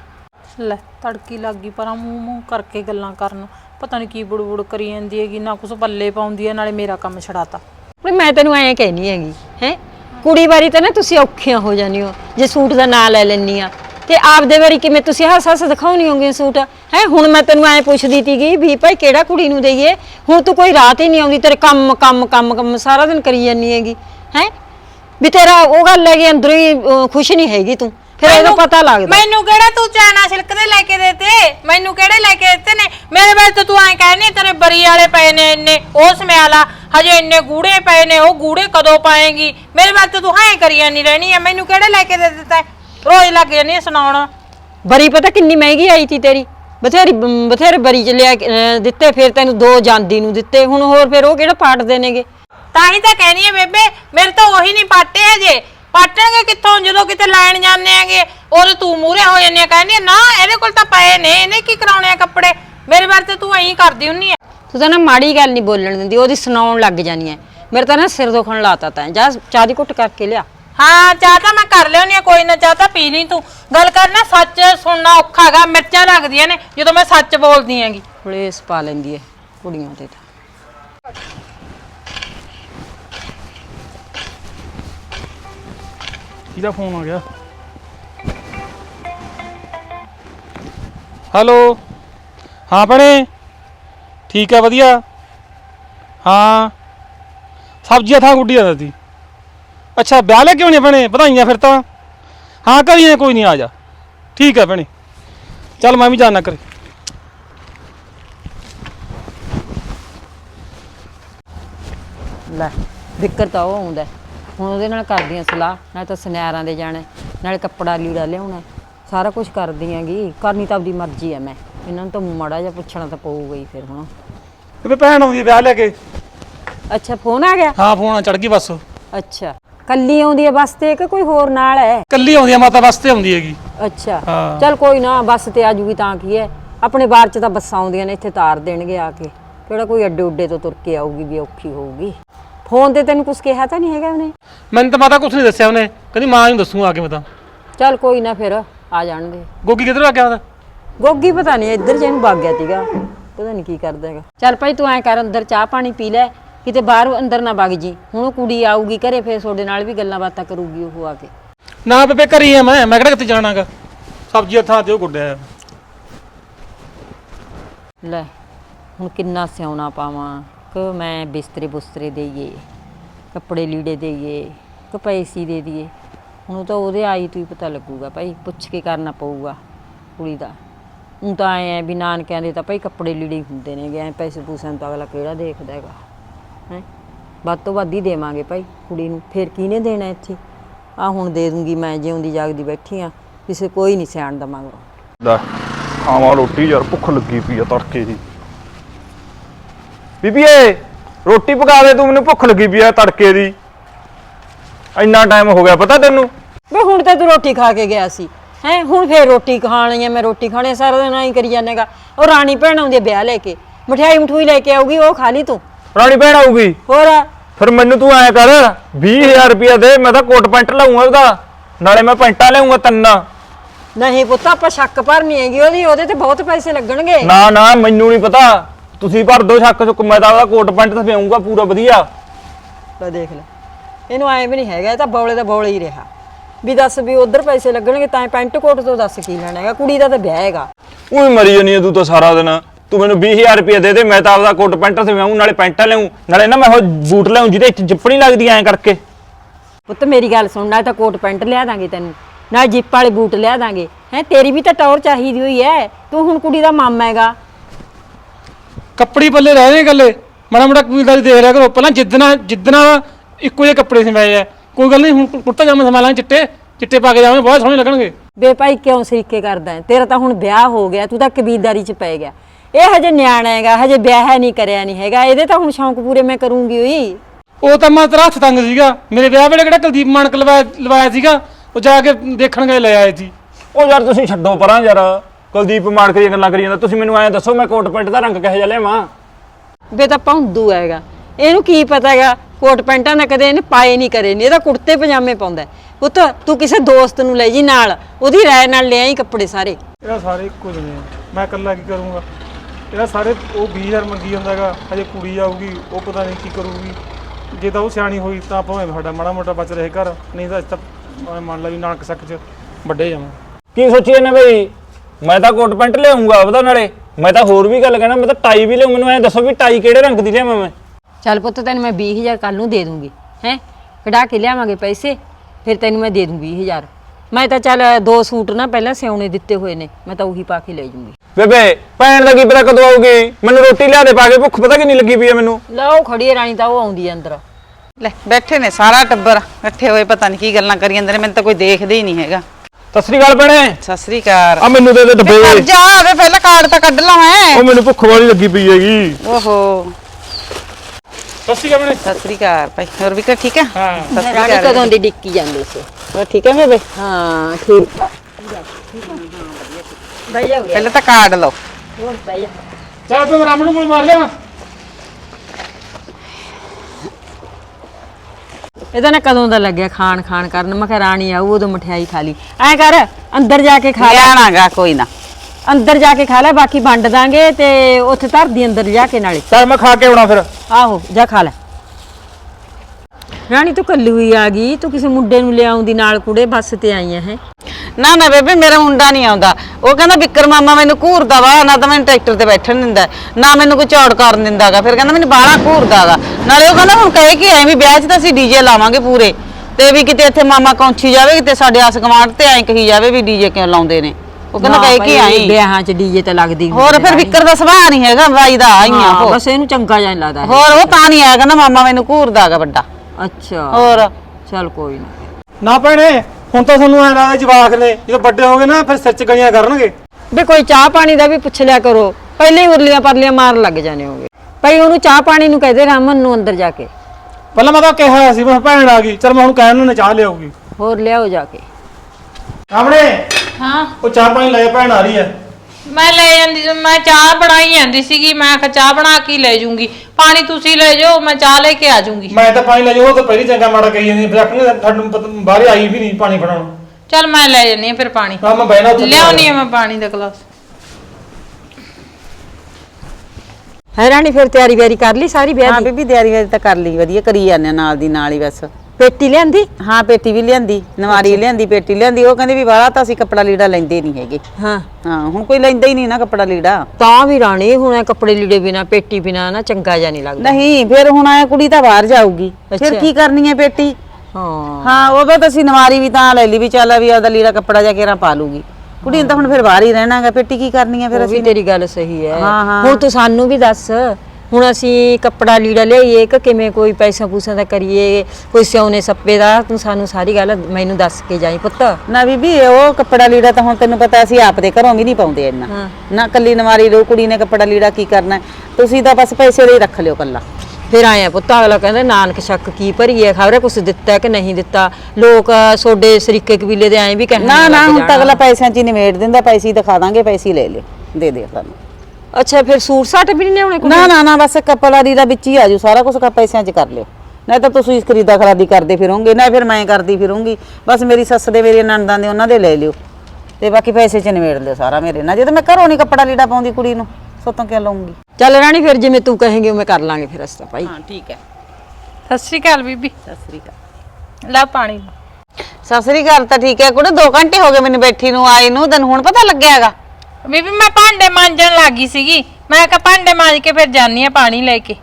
[SPEAKER 2] ਹੈ
[SPEAKER 3] ਲੈ ਤੜਕੀ ਲੱਗ ਗਈ ਪਰਾਂ ਮੂੰਹ ਮੂੰਹ ਕਰਕੇ ਗੱਲਾਂ ਕਰਨ ਪਤਾ ਨਹੀਂ ਕੀ ਬੁੜਬੁੜ ਕਰੀ ਜਾਂਦੀ ਹੈਗੀ ਨਾ ਕੁਛ ਪੱਲੇ ਪਾਉਂਦੀ ਹੈ ਨਾਲੇ ਮੇਰਾ ਕੰਮ ਛਡਾਤਾ
[SPEAKER 2] ਮੈਂ ਤੈਨੂੰ ਐਂ ਕਹਿਨੀ ਹੈਗੀ ਹੈ ਕੁੜੀ ਵਾਰੀ ਤਾਂ ਨਾ ਤੁਸੀਂ ਔਖੀਆਂ ਹੋ ਜਾਂਦੀ ਹੋ ਜੇ ਸੂਟ ਦਾ ਨਾਂ ਲੈ ਲੈਣੀ ਆ ਤੇ ਆਪਦੇ ਵਾਰੀ ਕਿਵੇਂ ਤੁਸੀਂ ਹੱਸ ਹੱਸ ਦਿਖਾਉਣੀ ਹੋਗੇ ਸੂਟ ਹੈ ਹੁਣ ਮੈਂ ਤੈਨੂੰ ਐ ਪੁੱਛਦੀ ਤੀਗੀ ਵੀ ਭਾਈ ਕਿਹੜਾ ਕੁੜੀ ਨੂੰ ਦੇਈਏ ਹੁਣ ਤੂੰ ਕੋਈ ਰਾਤ ਹੀ ਨਹੀਂ ਆਉਂਦੀ ਤੇਰੇ ਕੰਮ ਕੰਮ ਕੰਮ ਕੰਮ ਸਾਰਾ ਦਿਨ ਕਰੀ ਜਾਂਦੀ ਹੈਗੀ ਹੈ ਵੀ ਤੇਰਾ ਉਹ ਗੱਲ ਹੈਗੀ ਅੰਦਰੋਂ ਹੀ ਖੁਸ਼ ਨਹੀਂ ਹੈਗੀ ਤੂੰ ਫਿਰ ਇਹਦਾ ਪਤਾ ਲੱਗਦਾ
[SPEAKER 1] ਮੈਨੂੰ ਕਿਹੜਾ ਤੂੰ ਚਾਈਨਾ ਸਿਲਕ ਦੇ ਲੈ ਕੇ ਦੇਤੇ ਮੈਨੂੰ ਕਿਹੜੇ ਲੈ ਕੇ ਦਿੱਤੇ ਨੇ ਮੇਰੇ ਬਾਰੇ ਤਾਂ ਤੂੰ ਐਂ ਕਹਿਨੀ ਤੇਰੇ ਬਰੀ ਵਾਲੇ ਪਏ ਨੇ ਇੰਨੇ ਉਹ ਸਮਿਆਲਾ ਹਜੇ ਇੰਨੇ ਗੂੜੇ ਪਏ ਨੇ ਉਹ ਗੂੜੇ ਕਦੋਂ ਪਾਏਗੀ ਮੇਰੇ ਬਾਰੇ ਤਾਂ ਤੂੰ ਹਾਂ ਕਰੀ ਨਹੀਂ ਰਹਿਣੀ ਆ ਮੈਨੂੰ ਕਿਹੜੇ ਲੈ ਕੇ ਦੇ ਦਿੱਤਾ रोज लग जानी सुनाउण
[SPEAKER 2] बरी पता किन्नी महंगी आई थी तेरी बथेरी बथेरे बरी च लिया दिते फिर तेन दो जांदी नूं दिते हुण होर फिर ओह किहड़ा पाटदे नेगे
[SPEAKER 1] तां ही तां कहनी है बेबे मेरे तो ओही नहीं पाटे हजे पाटणगे कित्थों जदों किते लैण जाने आगे ओह तू मूहरे हो जानी कहनी ना इहदे कोल तां पए ने इहने की कराउणे कपड़े मेरे बारे ते तू ऐं करदी हुन्नी है
[SPEAKER 2] तू तां ना माड़ी गल नहीं बोलण दिंदी ओहदी सुनाउण लग जानी है मेरे तां ना सिर दुखण लाता तैं जा चाह दी घुट करके लिया
[SPEAKER 1] हाँ चाह तो मैं कर लिया कोई ना चाह तो पी ली तू गल करना सच सुनना औखा गा मिर्चा लगदियां ने जो मैं सच बोलदी हैगी
[SPEAKER 2] पुलिस पा लैंदी है कुड़ियां ते
[SPEAKER 4] किहदा फोन आ गया हेलो हाँ भैणे ठीक है वधिया हाँ सब्जियां थां गुड्डी दी अच्छा ब्याह लगे होने भैने बधाइयां फिर तो हाँ करिए कोई नहीं आ जा ठीक है भैने चल मैं भी जाना कर
[SPEAKER 2] ਲੈ ਵਿਕਰ ਤਾਂ ਉਹ ਆਉਂਦਾ ਹੁਣ ਉਹਦੇ ਨਾਲ ਕਰਦੀਆਂ ਸਲਾਹ ਨਾ ਤਾਂ ਸੁਨਿਆਰਾਂ ਦੇ ਜਾਣਾ ਨਾਲੇ ਕੱਪੜਾ ਲੀੜਾ ਲਿਆਉਣਾ ਸਾਰਾ ਕੁਝ ਕਰਦੀ ਹੈਗੀ ਕਰਨੀ ਤਾਂ ਆਪਦੀ ਮਰਜ਼ੀ ਹੈ ਮੈਂ ਇਹਨਾਂ ਨੂੰ ਤਾਂ ਮਾੜਾ ਜਿਹਾ ਪੁੱਛਣਾ ਤਾਂ ਪਊਗਾ ਹੀ ਫਿਰ ਹੁਣ
[SPEAKER 4] ਤੇ ਭੈਣ ਆਉਂਦੀ ਵਿਆਹ ਲੈ ਕੇ
[SPEAKER 2] ਅੱਛਾ ਫੋਨ ਆ ਗਿਆ
[SPEAKER 4] ਹਾਂ ਫੋਨ ਚੜ ਗਈ ਬਸ
[SPEAKER 2] ਅੱਛਾ ਕੱਲੀ ਆਉਂਦੀ ਹੈ ਬੱਸ ਤੇ ਕਿ ਕੋਈ ਹੋਰ ਨਾਲ ਹੈ
[SPEAKER 4] ਕੱਲੀ ਆਉਂਦੀ ਆ ਮਾਤਾ ਬੱਸ ਤੇ ਆਉਂਦੀ ਹੈਗੀ
[SPEAKER 2] ਅੱਛਾ
[SPEAKER 4] ਹਾਂ।
[SPEAKER 2] ਚੱਲ ਕੋਈ ਨਾ ਬੱਸ ਤੇ ਆ ਜੂਗੀ ਤਾਂ ਕੀ ਹੈ ਆਪਣੇ ਬਾਰ ਚ ਤਾਂ ਬੱਸਾਂ ਆਉਂਦੀਆਂ ਨੇ ਇੱਥੇ ਤਾਰ ਦੇਣਗੇ ਆ ਕੇ ਕਿਹੜਾ ਕੋਈ ਅੱਡੇ ਉੱਡੇ ਤੋਂ ਤੁਰ ਕੇ ਆਊਗੀ ਵੀ ਔਖੀ ਹੋਊਗੀ ਫੋਨ ਤੇ ਤੈਨੂੰ ਕੁਝ ਕਿਹਾ ਤਾਂ ਨਹੀਂ ਹੈਗਾ ਉਹਨੇ
[SPEAKER 4] ਮੈਨੂੰ ਤਾਂ ਮਾਤਾ ਕੁਛ ਨਹੀਂ ਦੱਸਿਆ ਉਹਨੇ ਕਹਿੰਦੀ ਮਾਂ ਨੂੰ ਦੱਸੂ ਆ ਕੇ ਮੈਂ ਤਾਂ
[SPEAKER 2] ਚੱਲ ਕੋਈ ਨਾ ਫਿਰ ਆ ਜਾਣਗੇ
[SPEAKER 4] ਗੋਗੀ ਕਿੱਧਰ ਆ ਗਿਆ ਉਹਦਾ
[SPEAKER 2] ਗੋਗੀ ਪਤਾ ਨਹੀਂ ਇੱਧਰ ਜਿਹਨੂੰ ਵਗ ਗਿਆ ਸੀਗਾ ਪਤਾ ਨਹੀਂ ਕੀ ਕਰਦਾ ਹੈਗਾ ਚੱਲ ਭਾਈ ਤੂੰ ਐਂ ਕਰ ਅੰਦਰ ਚਾਹ ਪਾਣੀ ਪੀ ਲੈ ਕਿਤੇ ਬਾਹਰ ਅੰਦਰ ਨਾ ਵਗ ਜੀ ਹੁਣ ਉਹ ਕੁੜੀ ਆਊਗੀ ਘਰੇ ਫਿਰ ਤੁਹਾਡੇ ਨਾਲ ਵੀ ਗੱਲਾਂ ਬਾਤਾਂ ਕਰੂਗੀ ਉਹ ਆ ਕੇ
[SPEAKER 4] ਨਾ ਬੇਬੇ ਘਰੀ ਆ ਮੈਂ ਮੈਂ ਕਿਹੜਾ ਕਿਤੇ ਜਾਣਾਗਾ ਸਬਜ਼ੀ ਥਾਂ ਤੇ ਉਹ ਗੁੱਡਿਆ
[SPEAKER 2] ਲੈ ਹੁਣ ਕਿੰਨਾ ਸਿਆਉਣਾ ਪਾਵਾਂ ਕਿ ਮੈਂ ਬਿਸਤਰੇ ਬੁਸਤਰੇ ਦੇਈਏ ਕੱਪੜੇ ਲੀੜੇ ਦੇਈਏ ਕਿ ਪੈਸੇ ਦੇ ਦਈਏ? ਹੁਣ ਤਾਂ ਉਹਦੇ ਆਈ ਤੋਂ ਹੀ ਪਤਾ ਲੱਗੂਗਾ ਭਾਈ, ਪੁੱਛ ਕੇ ਕਰਨਾ ਪਊਗਾ ਕੁੜੀ ਦਾ। ਹੁਣ ਤਾਂ ਐ ਵੀ ਨਾਨਕਿਆਂ ਦੇ ਤਾਂ ਭਾਈ ਕੱਪੜੇ ਲੀੜੇ ਹੀ ਹੁੰਦੇ ਨੇਗੇ, ਐ ਪੈਸੇ ਪੂਸਿਆਂ ਨੂੰ ਤਾਂ ਅਗਲਾ ਕਿਹੜਾ ਦੇਖਦਾ ਹੈਗਾ ਹੈ। ਵੱਧ ਤੋਂ ਵੱਧ ਹੀ ਦੇਵਾਂਗੇ ਭਾਈ ਕੁੜੀ ਨੂੰ, ਫਿਰ ਕਿਹਨੇ ਦੇਣਾ ਇੱਥੇ? ਆ ਹੁਣ ਦੇ ਦੂੰਗੀ ਮੈਂ, ਜਿਉਂਦੀ ਜਾਗਦੀ ਬੈਠੀ ਆ, ਕਿਸੇ ਕੋਈ ਨਹੀਂ ਸਿਆਣ ਦਾ ਮੰਗੋ।
[SPEAKER 5] ਲੈ ਖਾਵਾਂ ਰੋਟੀ ਯਾਰ, ਭੁੱਖ ਲੱਗੀ ਪਈ ਆ ਤੜਕੇ ਦੀ। ਬੀਬੀਏ ਰੋਟੀ ਪਕਾ ਦੇ ਤੂੰ, ਮੈਨੂੰ ਭੁੱਖ ਲੱਗੀ ਪਈ ਆ ਤੜਕੇ ਦੀ। ਇੰਨਾ ਟਾਈਮ ਹੋ ਗਿਆ ਪਤਾ ਤੈਨੂੰ?
[SPEAKER 2] ਵੇ ਹੁਣ ਤਾਂ ਤੂੰ ਰੋਟੀ ਖਾ ਕੇ ਗਿਆ ਸੀ ਹੈ, ਹੁਣ ਫੇਰ ਰੋਟੀ ਖਾਣੀ ਆ, ਮੈਂ ਰੋਟੀ ਖਾਣੀ ਆ, ਸਾਰਾ ਦਿਨ ਆਈ ਕਰੀ ਜਾਨੇਗਾ। ਉਹ ਰਾਣੀ ਭੈਣ ਆਉਂਦੀ ਆ ਵਿਆਹ ਲੈ ਕੇ, ਮਠਿਆਈ ਮਠੂਈ ਲੈ ਕੇ ਆਊਗੀ, ਉਹ ਖਾ ਲਈ ਤੂੰ।
[SPEAKER 5] ਰਾਣੀ ਭੈਣ ਆਊਗੀ?
[SPEAKER 2] ਹੋਰ
[SPEAKER 5] ਫਿਰ ਮੈਨੂੰ ਤੂੰ ਐ ਕਰ, ਵੀਹ ਹਜ਼ਾਰ ਰੁਪਇਆ ਦੇ, ਮੈਂ ਤਾਂ ਕੋਟ ਪੈਂਟ ਲਾਉਂਗਾ ਉਹਦਾ, ਨਾਲੇ ਮੈਂ ਪੈਂਟਾਂ ਲਿਆਉਂਗਾ ਤਿੰਨ।
[SPEAKER 2] ਨਹੀਂ ਪੁੱਤ, ਆਪਾਂ ਸ਼ੱਕ ਭਰਨੀ ਹੈਗੀ ਉਹਦੀ, ਉਹਦੇ ਤੇ ਬਹੁਤ ਪੈਸੇ ਲੱਗਣਗੇ।
[SPEAKER 5] ਨਾ ਨਾ ਮੈਨੂੰ ਨਹੀਂ ਪਤਾ, ਤੁਸੀਂ ਭਰ ਦੋ ਸ਼ੱਕ ਚੁੱਕ, ਮੈਂ ਤਾਂ ਉਹਦਾ ਕੋਟ ਪੈਂਟ ਸਵਾਉਂਗਾ ਪੂਰਾ ਵਧੀਆ।
[SPEAKER 2] ਲੈ ਦੇਖ ਲੈ, ਇਹਨੂੰ ਐ ਵੀ ਨਹੀਂ ਹੈਗਾ, ਇਹ ਤਾਂ ਬੌਲੇ ਦਾ ਬੌਲੇ ਹੀ ਰਿਹਾ ਵੀ। ਦੱਸ ਵੀ ਉਧਰ ਪੈਸੇ ਲੱਗਣਗੇ ਤਾਂ ਪੈਂਟ ਕੋਟ ਤੋਂ ਦੱਸ ਕੀ ਲੈਣਾ ਹੈਗਾ, ਕੁੜੀ ਦਾ ਤਾਂ ਵਿਆਹ ਹੈਗਾ।
[SPEAKER 5] ਉਹੀ ਮਰੀ ਜਾਨੀ ਤੂੰ ਤਾਂ ਸਾਰਾ ਦਿਨ। ਤੂੰ ਮੈਨੂੰ ਵੀਹ ਹਜ਼ਾਰ ਰੁਪਇਆ ਦੇ ਦੇ, ਮੈਂ ਤਾਂ ਆਪਦਾ ਕੋਟ ਪੈਂਟ ਸਵਾਉਂ, ਨਾਲੇ ਪੈਂਟਾਂ ਲਿਆਉਂ, ਨਾਲੇ ਨਾ ਮੈਂ ਉਹ ਬੂਟ ਲਿਆਉਂ ਜਿਹਦੇ ਇੱਥੇ ਜਿੱਪ ਨਹੀਂ ਲੱਗਦੀ ਐਂ ਕਰਕੇ।
[SPEAKER 2] ਪੁੱਤ ਮੇਰੀ ਗੱਲ ਸੁਣ, ਨਾ ਤਾਂ ਕੋਟ ਪੈਂਟ ਲਿਆ ਦਾਂਗੇ ਤੈਨੂੰ, ਨਾ ਜਿੱਪ ਵਾਲੇ ਬੂਟ ਲਿਆ ਦਾਂਗੇ ਹੈ। ਤੇਰੀ ਵੀ ਤਾਂ ਟੌਰ ਚਾਹੀਦੀ ਹੋਈ ਹੈ, ਤੂੰ ਹੁਣ ਕੁੜੀ ਦਾ ਮਾਮਾ ਹੈਗਾ।
[SPEAKER 4] ਕੱਪੜੇ ਪੱਲੇ ਰਹਿ ਨੇ ਗੱਲੇ, ਮਾੜਾ ਮੋਟਾ ਕਬੀਲਦਾਰੀ ਦੇਖ ਲਿਆ ਕਰੋ। ਪਹਿਲਾਂ ਜਿੱਦਣਾ ਜਿੱਦਣਾ ਇੱਕੋ ਜਿਹੇ ਕੱਪੜੇ ਸਿਵਾਏ ਆ, ਕੋਈ ਗੱਲ ਨਹੀਂ। ਹੁਣ ਕੁੜਤਾ ਜਾਮਾ ਸਵਾ ਲਾਂਗੇ, ਚਿੱਟੇ ਚਿੱਟੇ ਪਾ ਕੇ ਜਾਵਾਂਗੇ, ਬਹੁਤ ਸੋਹਣੇ ਲੱਗਣਗੇ।
[SPEAKER 2] ਵੇ ਭਾਈ ਕਿਉਂ ਸਰੀਕੇ ਕਰਦਾ ਹੈ? ਤੇਰਾ ਤਾਂ ਹੁਣ ਵਿਆਹ ਹੋ ਗਿਆ, ਤੂੰ ਤਾਂ ਕਬੀਲਦਾਰੀ 'ਚ ਪੈ ਗਿਆ। ਇਹ ਹਜੇ ਨਿਆਣਾ ਹੈਗਾ, ਹਜੇ ਵਿਆਹ ਹੈ ਨਹੀਂ ਕਰਿਆ ਨਹੀਂ ਹੈਗਾ, ਇਹਦੇ ਤਾਂ ਹੁਣ ਸ਼ੌਂਕ ਪੂਰੇ ਮੈਂ ਕਰੂੰਗੀ ਹੋਈ।
[SPEAKER 4] ਉਹ ਤਾਂ ਮੈਂ ਤੇਰਾ ਹੱਥ ਤੰਗ ਸੀਗਾ, ਮੇਰੇ ਵਿਆਹ ਵੇਲੇ ਕਿਹੜਾ ਕੁਲਦੀਪ ਮਾਨਕ ਲਵਾਇਆ ਲਵਾਇਆ ਸੀਗਾ, ਉਹ ਜਾ ਕੇ ਦੇਖਣ ਗਏ ਲੈ ਆਏ ਸੀ।
[SPEAKER 5] ਉਹ ਯਾਰ ਤੁਸੀਂ ਛੱਡੋ ਪਰਾਂ ਯਾਰ, ਕੁਲਦੀਪ ਮਾਨਕ ਦੀਆਂ ਗੱਲਾਂ ਕਰੀ ਜਾਂਦਾ। ਤੁਸੀਂ ਮੈਨੂੰ ਐਂ ਦੱਸੋ, ਮੈਂ ਕੋਟ ਪੈਂਟ ਦਾ ਰੰਗ ਕਿਹੋ ਜਿਹਾ ਲਿਆਵਾਂ?
[SPEAKER 2] ਵੇ ਤਾਂ ਭੌਂਦੂ ਹੈਗਾ, ਇਹਨੂੰ ਕੀ ਪਤਾ ਹੈਗਾ ਕੋਟ ਪੈਂਟਾਂ ਦਾ, ਕਦੇ ਇਹਨੇ ਪਾਏ ਨਹੀਂ ਕਰੇ ਨਹੀਂ, ਇਹਦਾ ਕੁੜਤੇ ਪਜਾਮੇ ਪਾਉਂਦਾ। ਪੁੱਤ ਤੂੰ ਕਿਸੇ ਦੋਸਤ ਨੂੰ ਲੈ ਜੀ ਨਾਲ, ਉਹਦੀ ਰਾਏ ਨਾਲ ਲੈ ਆਈ ਕੱਪੜੇ ਸਾਰੇ।
[SPEAKER 4] ਇਹਦਾ ਸਾਰੇ ਇੱਕੋ ਜਿਹੇ ਨੇ, ਮੈਂ ਇਕੱਲਾ ਕੀ ਕਰੂੰਗਾ? ਇਹਦਾ ਸਾਰੇ ਉਹ ਵੀਹ ਹਜ਼ਾਰ ਮੰਗੀ ਜਾਂਦਾਗਾ, ਹਜੇ ਕੁੜੀ ਆਊਗੀ, ਉਹ ਪਤਾ ਨਹੀਂ ਕੀ ਕਰੂਗੀ। ਜੇ ਤਾਂ ਉਹ ਸਿਆਣੀ ਹੋਈ ਤਾਂ ਭਾਵੇਂ ਸਾਡਾ ਮਾੜਾ ਮੋਟਾ ਬਚ ਰਹੇ ਘਰ, ਨਹੀਂ ਤਾਂ ਇਸ ਤਾਂ ਮੰਨ ਲਾ ਵੀ ਨਾਨਕ ਸੱਕ 'ਚ ਵੱਡੇ ਜਾਵਾਂ।
[SPEAKER 5] ਕੀ ਸੋਚੀ ਇਹਨੇ ਬਈ? ਮੈਂ ਤਾਂ ਕੋਟ ਪੈਂਟ ਲਿਆਉਂਗਾ ਉਹਦਾ, ਨਾਲੇ ਮੈਂ ਤਾਂ ਹੋਰ ਵੀ ਗੱਲ ਕਹਿਣਾ, ਮੈਂ ਤਾਂ ਟਾਈ ਵੀ ਲਿਆਉਂ। ਮੈਨੂੰ ਐਂ ਦੱਸੋ ਵੀ ਟਾਈ ਕਿਹੜੇ ਰੰਗ ਦੀ ਲਿਆਵਾਂ ਮੈਂ?
[SPEAKER 2] ਚੱਲ ਪੁੱਤ ਤੈਨੂੰ ਮੈਂ ਵੀਹ ਹਜ਼ਾਰ ਕੱਲ ਨੂੰ ਦੇ ਦੂੰਗੀ ਹੈ, ਕਢਾ ਕੇ ਲਿਆਵਾਂਗੇ ਪੈਸੇ, ਫਿਰ ਤੈਨੂੰ ਮੈਂ ਦੇ ਦੂੰ ਵੀਹ ਹਜ਼ਾਰ। ਮੈਂ ਤਾਂ ਚੱਲ ਦੋ ਸੂਟ ਨਾ ਪਹਿਲਾਂ ਸਿਉਣੇ ਦਿੱਤੇ ਹੋਏ ਨੇ, ਮੈਂ ਤਾਂ ਉਹੀ ਪਾ ਕੇ ਲੈ ਜੂੰਗੀ।
[SPEAKER 5] ਬੇਬੇ ਭੈਣ ਦਾ ਕੀ ਪਤਾ ਕਦੋਂ ਆਊਗੀ? ਮੈਨੂੰ ਰੋਟੀ ਲਿਆ ਦੇ ਪਾ ਕੇ, ਭੁੱਖ ਪਤਾ ਕਿੰਨੀ ਲੱਗੀ ਪਈ ਆ ਮੈਨੂੰ।
[SPEAKER 2] ਲਓ ਖੜੀ ਹੈ ਰਾਣੀ, ਤਾਂ ਉਹ ਆਉਂਦੀ ਹੈ ਅੰਦਰ।
[SPEAKER 6] ਲੈ ਬੈਠੇ ਨੇ ਸਾਰਾ ਟੱਬਰ ਇਕੱਠੇ ਹੋਏ, ਪਤਾ ਨਹੀਂ ਕੀ ਗੱਲਾਂ ਕਰੀ ਜਾਂਦੇ ਨੇ, ਮੈਨੂੰ ਤਾਂ ਕੋਈ ਦੇਖਦੇ ਹੀ ਨਹੀਂ ਹੈਗਾ।
[SPEAKER 5] ਸਤਿ ਸ੍ਰੀ ਅਕਾਲ ਭੈਣੇ।
[SPEAKER 6] ਸਤਿ ਸ੍ਰੀ ਅਕਾਲ।
[SPEAKER 5] ਆ ਮੈਨੂੰ ਦੇ ਦੇ ਡੱਬੇ।
[SPEAKER 6] ਕਰ ਜਾ ਵੇ, ਪਹਿਲਾਂ ਕਾਰਡ ਤਾਂ ਕੱਢ ਲਾਂ ਮੈਂ।
[SPEAKER 5] ਉਹ ਮੈਨੂੰ ਭੁੱਖ ਵਾਲੀ ਲੱਗੀ ਪਈ ਹੈਗੀ।
[SPEAKER 6] ਓਹੋ
[SPEAKER 4] ਸਤਿ ਸ਼੍ਰੀ ਅਕਾਲ।
[SPEAKER 6] ਸਤਿ ਸ੍ਰੀ ਅਕਾਲ ਭਾਈ, ਹੋਰ ਵੀ ਕਰ ਠੀਕ ਹੈ?
[SPEAKER 4] ਹਾਂ
[SPEAKER 6] ਸਤਿ ਸ੍ਰੀ
[SPEAKER 2] ਰਾਣੀ
[SPEAKER 6] ਅਕਾਲ।
[SPEAKER 2] ਕਦੋਂ ਦੀ ਡਿੱਕੀ ਜਾਂਦੀ ਸੀ।
[SPEAKER 6] ਹੋਰ ਠੀਕ ਹੈ ਬੇਬੇ?
[SPEAKER 2] ਹਾਂ ਠੀਕ ਆ। ਬਈ ਜਾ
[SPEAKER 6] ਪਹਿਲਾਂ ਤਾਂ ਕਾਰਡ ਲਓ।
[SPEAKER 2] ਹੋਰ ਬਈ ਜਾ।
[SPEAKER 4] ਚੱਲ ਤੂੰ ਰਾਮ ਨੂੰ ਮਾਰ ਲਿਆ।
[SPEAKER 2] ਇਹਦਾ ਨਾ ਕਦੋਂ ਦਾ ਲੱਗਿਆ ਖਾਣ ਖਾਣ ਕਰਨ, ਮੈਂ ਕਿਹਾ ਰਾਣੀ ਆਊ ਉਦੋਂ ਮਠਿਆਈ ਖਾ ਲਈ। ਐ ਕਰ ਅੰਦਰ ਜਾ ਕੇ ਖਾ ਲੈ,
[SPEAKER 6] ਲਿਆਣਾਗਾ ਕੋਈ ਨਾ,
[SPEAKER 2] ਅੰਦਰ ਜਾ ਕੇ ਖਾ ਲੈ, ਬਾਕੀ ਵੰਡ ਦਾਂਗੇ ਤੇ ਉੱਥੇ ਧਰਦੀ ਅੰਦਰ ਜਾ ਕੇ ਨਾਲੇ।
[SPEAKER 5] ਚੱਲ ਮੈਂ ਖਾ ਕੇ ਆਉਣਾ ਫਿਰ।
[SPEAKER 2] ਆਹੋ ਜਾ ਖਾ ਲੈ। ਰਾਣੀ ਤੂੰ ਕੱਲੀ ਹੋਈ ਆ ਗਈ, ਤੂੰ ਕਿਸੇ ਮੁੰਡੇ ਨੂੰ ਲਿਆਉਂਦੀ ਨਾਲ, ਕੁੜੇ ਬੱਸ ਤੇ ਆਈਆਂ ਹੈ।
[SPEAKER 6] ਨਾ ਨਾ ਬੇਬੇ ਮੇਰਾ ਮੁੰਡਾ ਨਹੀਂ ਆਉਂਦਾ, ਉਹ ਕਹਿੰਦਾ ਵਿਕਰ ਮਾਮਾ ਮੈਨੂੰ ਘੂਰਦਾ ਵਾ, ਨਾ ਤਾਂ ਮੈਨੂੰ ਟਰੈਕਟਰ ਤੇ ਬੈਠਣ ਦਿੰਦਾ, ਨਾ ਮੈਨੂੰ ਕੋਈ ਚੌੜ ਕਰਨ ਦਿੰਦਾਗਾ, ਫਿਰ ਕਹਿੰਦਾ ਮੈਨੂੰ ਬਾਹਲਾ ਘੂਰਦਾਗਾ। ਨਾਲੇ ਉਹ ਕਹਿੰਦਾ ਹੁਣ ਕਹੇ ਕਿ ਐਵੇਂ ਵਿਆਹ 'ਚ ਤਾਂ ਅਸੀਂ ਡੀਜੇ ਲਾਵਾਂਗੇ ਪੂਰੇ, ਤੇ ਵੀ ਕਿਤੇ ਇੱਥੇ ਮਾਮਾ ਕੌਂਚੀ ਜਾਵੇ, ਕਿਤੇ ਸਾਡੇ ਆਸ ਗਵਾਂਢ ਤੇ ਐਂ ਕਹੀ ਜਾਵੇ ਵੀ ਡੀਜੇ ਕਿਉਂ ਲਾਉਂਦੇ ਨੇ। ਉਹ ਕਹਿੰਦਾ ਕਹੇ ਕਿ ਆਈ
[SPEAKER 2] ਵਿਆਹਾਂ 'ਚ ਡੀਜੇ ਤੇ ਲੱਗਦੀ
[SPEAKER 6] ਹੋਰ, ਫਿਰ ਵਿਕਰ ਦਾ ਸੁਭਾਅ ਨਹੀਂ ਹੈਗਾ ਬਾਈ ਦਾ, ਆਈਆਂ
[SPEAKER 2] ਹਾਂ, ਬਸ ਇਹਨੂੰ ਚੰਗਾ ਜਿਹਾ ਨੀ ਲੱਗਦਾ।
[SPEAKER 6] ਹੋਰ ਉਹ ਤਾਂ ਨਹੀਂ ਆਇਆ, ਕਹਿੰਦਾ ਮਾਮਾ ਮੈਨੂੰ ਘੂਰਦਾਗਾ ਵੱਡਾ।
[SPEAKER 2] ਅੱਛਾ
[SPEAKER 6] ਹੋਰ
[SPEAKER 2] ਚੱਲ ਕੋਈ ਨਾ।
[SPEAKER 4] ਨਾ ਭੈਣੇ, ਹੁਣ ਤਾਂ ਤੁਹਾਨੂੰ ਐਂ ਲੱਗਦਾ ਜਵਾਕ ਨੇ, ਜਦੋਂ ਵੱਡੇ ਹੋ ਗਏ ਨਾ ਫਿਰ ਸਿਰ 'ਚ ਗਲੀਆਂ ਕਰਨਗੇ।
[SPEAKER 2] ਵੀ ਕੋਈ ਚਾਹ ਪਾਣੀ ਦਾ ਵੀ ਪੁੱਛ ਲਿਆ ਕਰੋ, ਪਹਿਲੇ ਹੀ ਉਰਲੀਆਂ ਪਰਲੀਆਂ ਮਾਰਨ ਲੱਗ ਜਾਣੇ ਹੋਗੇ। ਭਾਈ ਉਹਨੂੰ ਚਾਹ ਪਾਣੀ ਨੂੰ ਕਹਦੇ ਰਾਮਨ ਨੂੰ ਅੰਦਰ ਜਾ ਕੇ।
[SPEAKER 4] ਪਹਿਲਾਂ ਮੈਂ ਤਾਂ ਕਿਹਾ ਸੀ, ਮੈਂ ਭੈਣ ਆ ਗਈ, ਚਲ ਮੈਂ ਹੁਣ ਕਹਿਣ ਨੂੰ ਚਾਹ ਲਿਆਉਗੀ।
[SPEAKER 2] ਹੋਰ ਲਿਆਓ ਜਾ ਕੇ।
[SPEAKER 4] ਸਾਹਮਣੇ
[SPEAKER 1] ਹਾਂ
[SPEAKER 4] ਉਹ ਚਾਹ ਪਾਣੀ ਲੈ, ਭੈਣ ਆ ਰਹੀ ਹੈ।
[SPEAKER 1] ਮੈਂ ਲੈ ਜਾਂਦੀ ਸੀ, ਮੈਂ ਚਾਹ ਬਣਾਈ ਜਾਂਦੀ ਸੀਗੀ, ਮੈਂ ਕਿਹਾ ਚਾਹ ਬਣਾ ਕੇ ਲੈ ਜੂੰਗੀ, ਪਾਣੀ ਤੁਸੀਂ ਲੈ ਜਾਓ, ਮੈਂ ਚਾਹ ਲੈ ਕੇ ਆ ਜੂੰਗੀ।
[SPEAKER 4] ਮੈਂ ਤਾਂ ਪਾਣੀ ਲੈ ਜਾਊਂ, ਉਹ ਤਾਂ ਪਹਿਲੀ ਚੰਗਾ ਮਾੜਾ ਕਹੀ ਜਾਂਦੀ, ਫਿਰ ਆਖਣਗੇ ਤੁਹਾਨੂੰ ਪਤਾ ਬਾਹਰ ਆਈ ਵੀ ਨਹੀਂ ਪਾਣੀ ਫੜਾਉਣ।
[SPEAKER 1] ਚੱਲ ਮੈਂ ਲੈ ਜਾਂਦੀ ਆ ਫਿਰ ਪਾਣੀ,
[SPEAKER 4] ਹਾਂ ਮੈਂ ਬਹਿਣਾ ਉੱਥੇ।
[SPEAKER 1] ਲਿਆਉਣੀ ਆ ਮੈਂ ਪਾਣੀ ਦਾ ਗਲਾਸ।
[SPEAKER 2] ਹੈ ਰਾਣੀ ਫਿਰ ਤਿਆਰੀ ਵਿਆਰੀ ਕਰ ਲਈ ਸਾਰੀ ਵਿਆਹ
[SPEAKER 6] ਹਾਂ
[SPEAKER 2] ਦੀ?
[SPEAKER 6] ਬੀਬੀ ਤਿਆਰੀ ਵਾਰੀ ਤਾਂ ਕਰ ਲਈ, ਵਧੀਆ ਕਰੀ ਜਾਂਦੇ ਨਾਲ ਦੀ ਨਾਲ ਹੀ ਬਸ।
[SPEAKER 2] ਪੇਟੀ ਲਿਆਂਦੀ?
[SPEAKER 6] ਹਾਂ ਪੇਟੀ ਵੀ ਲਿਆਂਦੀ, ਨਵਾਰੀ ਲਿਆਂਦੀ, ਪੇਟੀ ਲਿਆਂਦੀ। ਉਹ ਕਹਿੰਦੇ ਵੀ ਬਾਹਲਾ ਤਾਂ ਅਸੀਂ ਕੱਪੜਾ ਲੀੜਾ ਲੈਂਦੇ ਨਹੀਂ ਹੈਗੇ।
[SPEAKER 2] ਹਾਂ
[SPEAKER 6] ਹਾਂ ਹੁਣ ਕੋਈ ਲੈਂਦਾ ਹੀ ਨਹੀਂ ਨਾ ਕੱਪੜਾ ਲੀੜਾ।
[SPEAKER 2] ਤਾਂ ਵੀ ਰਾਣੀ ਹੁਣ ਇਹ ਕੱਪੜੇ ਲੀੜੇ ਬਿਨਾ ਪੇਟੀ ਬਿਨਾ ਨਾ ਚੰਗਾ ਜਿਹਾ ਨਹੀਂ ਲੱਗਦਾ।
[SPEAKER 6] ਨਹੀਂ ਫਿਰ ਹੁਣ ਆਇਆ ਕੁੜੀ ਤਾਂ ਬਾਹਰ ਜਾਊਗੀ, ਫਿਰ
[SPEAKER 2] ਅੱਛਾ।
[SPEAKER 6] ਕੀ ਕਰਨੀ ਹੈ ਪੇਟੀ?
[SPEAKER 2] ਹਾਂ
[SPEAKER 6] ਹਾਂ ਉਦੋਂ ਤਾਂ ਅਸੀਂ ਨਵਾਰੀ ਵੀ ਤਾਂ ਲੈ ਲਈ ਵੀ ਚੱਲ ਵੀ ਉਹਦਾ ਲੀੜਾ ਕੱਪੜਾ ਜਾ ਕੇ ਰਾਂ ਪਾ ਲੂਗੀ ਕੁੜੀ ਨੇ ਤਾਂ ਹੁਣ ਫਿਰ ਬਾਹਰ ਹੀ ਰਹਿਣਾਗਾ ਪੇਟੀ ਕੀ ਕਰਨੀ ਆ ਫਿਰ
[SPEAKER 2] ਉਹ ਵੀ
[SPEAKER 6] ਅਸੀਂ
[SPEAKER 2] ਤੇਰੀ ਗੱਲ ਸਹੀ ਹੈ
[SPEAKER 6] ਹਾਂ, ਹਾਂ।
[SPEAKER 2] ਹੁਣ ਤੂੰ ਸਾਨੂੰ ਵੀ ਦੱਸ ਹੁਣ ਅਸੀਂ ਕੱਪੜਾ ਲੀੜਾ ਲਿਆਈਏ ਕਿ ਕਿਵੇਂ ਕੋਈ ਪੈਸਾ ਪੂਸਾ ਦਾ ਕਰੀਏ ਕੋਈ ਸਿਉਨੇ ਸੱਪੇ ਦਾ ਤੂੰ ਸਾਨੂੰ ਸਾਰੀ ਗੱਲ ਮੈਨੂੰ ਦੱਸ ਕੇ ਜਾਈ ਪੁੱਤ
[SPEAKER 6] ਨਾ ਬੀਬੀ ਉਹ ਕੱਪੜਾ ਲੀੜਾ ਤਾਂ ਹੁਣ ਤੈਨੂੰ ਪਤਾ ਅਸੀਂ ਆਪ ਦੇ ਘਰੋਂ ਵੀ ਨਹੀਂ ਪਾਉਂਦੇ ਇੰਨਾ ਨਾ ਕੱਲੀ ਨਵਾਰੀ ਲੋ ਕੁੜੀ ਨੇ ਕੱਪੜਾ ਲੀੜਾ ਕੀ ਕਰਨਾ ਤੁਸੀਂ ਤਾਂ ਬਸ ਪੈਸੇ ਦੇ ਰੱਖ ਲਿਓ ਕੱਲਾ
[SPEAKER 2] ਫਿਰ ਆਇਆ ਪੁੱਤ ਅਗਲਾ ਕਹਿੰਦਾ ਨਾਨਕ ਸ਼ੱਕ ਕੀ ਭਰੀਏ ਖਬਰੇ ਕੁਛ ਦਿੱਤਾ ਕਿ ਨਹੀਂ ਦਿੱਤਾ ਲੋਕ ਸੋਡੇ ਸਰੀਕੇ ਕਬੀਲੇ ਦੇ ਐਂ ਵੀ ਕਹਿੰਦੇ
[SPEAKER 6] ਨਾ ਨਾ ਹੁਣ ਤਾਂ ਅਗਲਾ ਪੈਸਿਆਂ 'ਚ ਹੀ ਨਿਮੇੜ ਦਿੰਦਾ ਪੈਸੇ ਹੀ ਦਿਖਾ ਦਾਂਗੇ ਪੈਸੇ ਹੀ ਲੈ ਲਿਓ ਦੇ ਦਿਓ ਸਾਨੂੰ
[SPEAKER 2] ਅੱਛਾ ਫਿਰ ਸੂਟ ਸਾਟ ਵੀ ਨਹੀਂ ਲਿਆਉਣੇ
[SPEAKER 6] ਨਾ ਨਾ ਨਾ ਬਸ ਕੱਪੜਾ ਲੀੜਾ ਵਿੱਚ ਹੀ ਆਜੂ ਸਾਰਾ ਕੁਝ ਪੈਸਿਆਂ 'ਚ ਕਰ ਲਿਓ ਨਹੀਂ ਤਾਂ ਤੁਸੀਂ ਇਸ ਖਰੀਦਾ ਖਰਾਦੀ ਕਰਦੇ ਫਿਰੋਗੇ ਨਾ ਫਿਰ ਮੈਂ ਕਰਦੀ ਫਿਰੂੰਗੀ ਬਸ ਮੇਰੀ ਸੱਸ ਦੇ ਮੇਰੇ ਨਣਦਾਂ ਦੇ ਉਹਨਾਂ ਦੇ ਲੈ ਲਿਓ ਤੇ ਬਾਕੀ ਪੈਸੇ 'ਚ ਨਿਮੇੜ ਲਿਓ ਸਾਰਾ ਮੇਰੇ ਨਾਲ ਜੇ ਤਾਂ ਮੈਂ ਘਰੋਂ ਨਹੀਂ ਕੱਪੜਾ ਲੀੜਾ ਪਾਉਂਦੀ ਕੁੜੀ ਨੂੰ ਸੋਤੋਂ ਕਿਉਂ ਲਵਾਂਗੀ
[SPEAKER 2] ਚੱਲ ਰਾਣੀ ਫਿਰ ਜਿਵੇਂ ਤੂੰ ਕਹੇਂਗੀ ਉਵੇਂ ਕਰ ਲਾਂਗੇ ਫਿਰ ਅਸਤਾ ਭਾਈ
[SPEAKER 6] ਹਾਂ ਠੀਕ ਹੈ
[SPEAKER 3] ਸਤਿ ਸ਼੍ਰੀ ਅਕਾਲ ਬੀਬੀ
[SPEAKER 6] ਸਤਿ ਸ੍ਰੀ ਅਕਾਲ
[SPEAKER 3] ਲੈ ਪਾਣੀ
[SPEAKER 6] ਸਤਿ ਸ੍ਰੀ ਅਕਾਲ ਤਾਂ ਠੀਕ ਹੈ ਕੁੜੇ ਦੋ ਘੰਟੇ ਹੋ ਗਏ ਮੈਨੂੰ ਬੈਠੀ ਨੂੰ ਆਈ ਨੂੰ ਤੈਨੂੰ ਹੁਣ ਪਤਾ ਲੱਗਿਆ ਹੈਗਾ
[SPEAKER 3] ਬੀਬੀ ਮੈਂ ਭਾਂਡੇ ਮਾਂਜਣ ਲੱਗੀ ਸੀਗੀ ਮੈਂ ਕਿਹਾ ਭਾਂਡੇ ਮਾਂਜ ਕੇ ਫਿਰ ਜਾਨੀ ਆ ਪਾਣੀ ਲੈ ਕੇ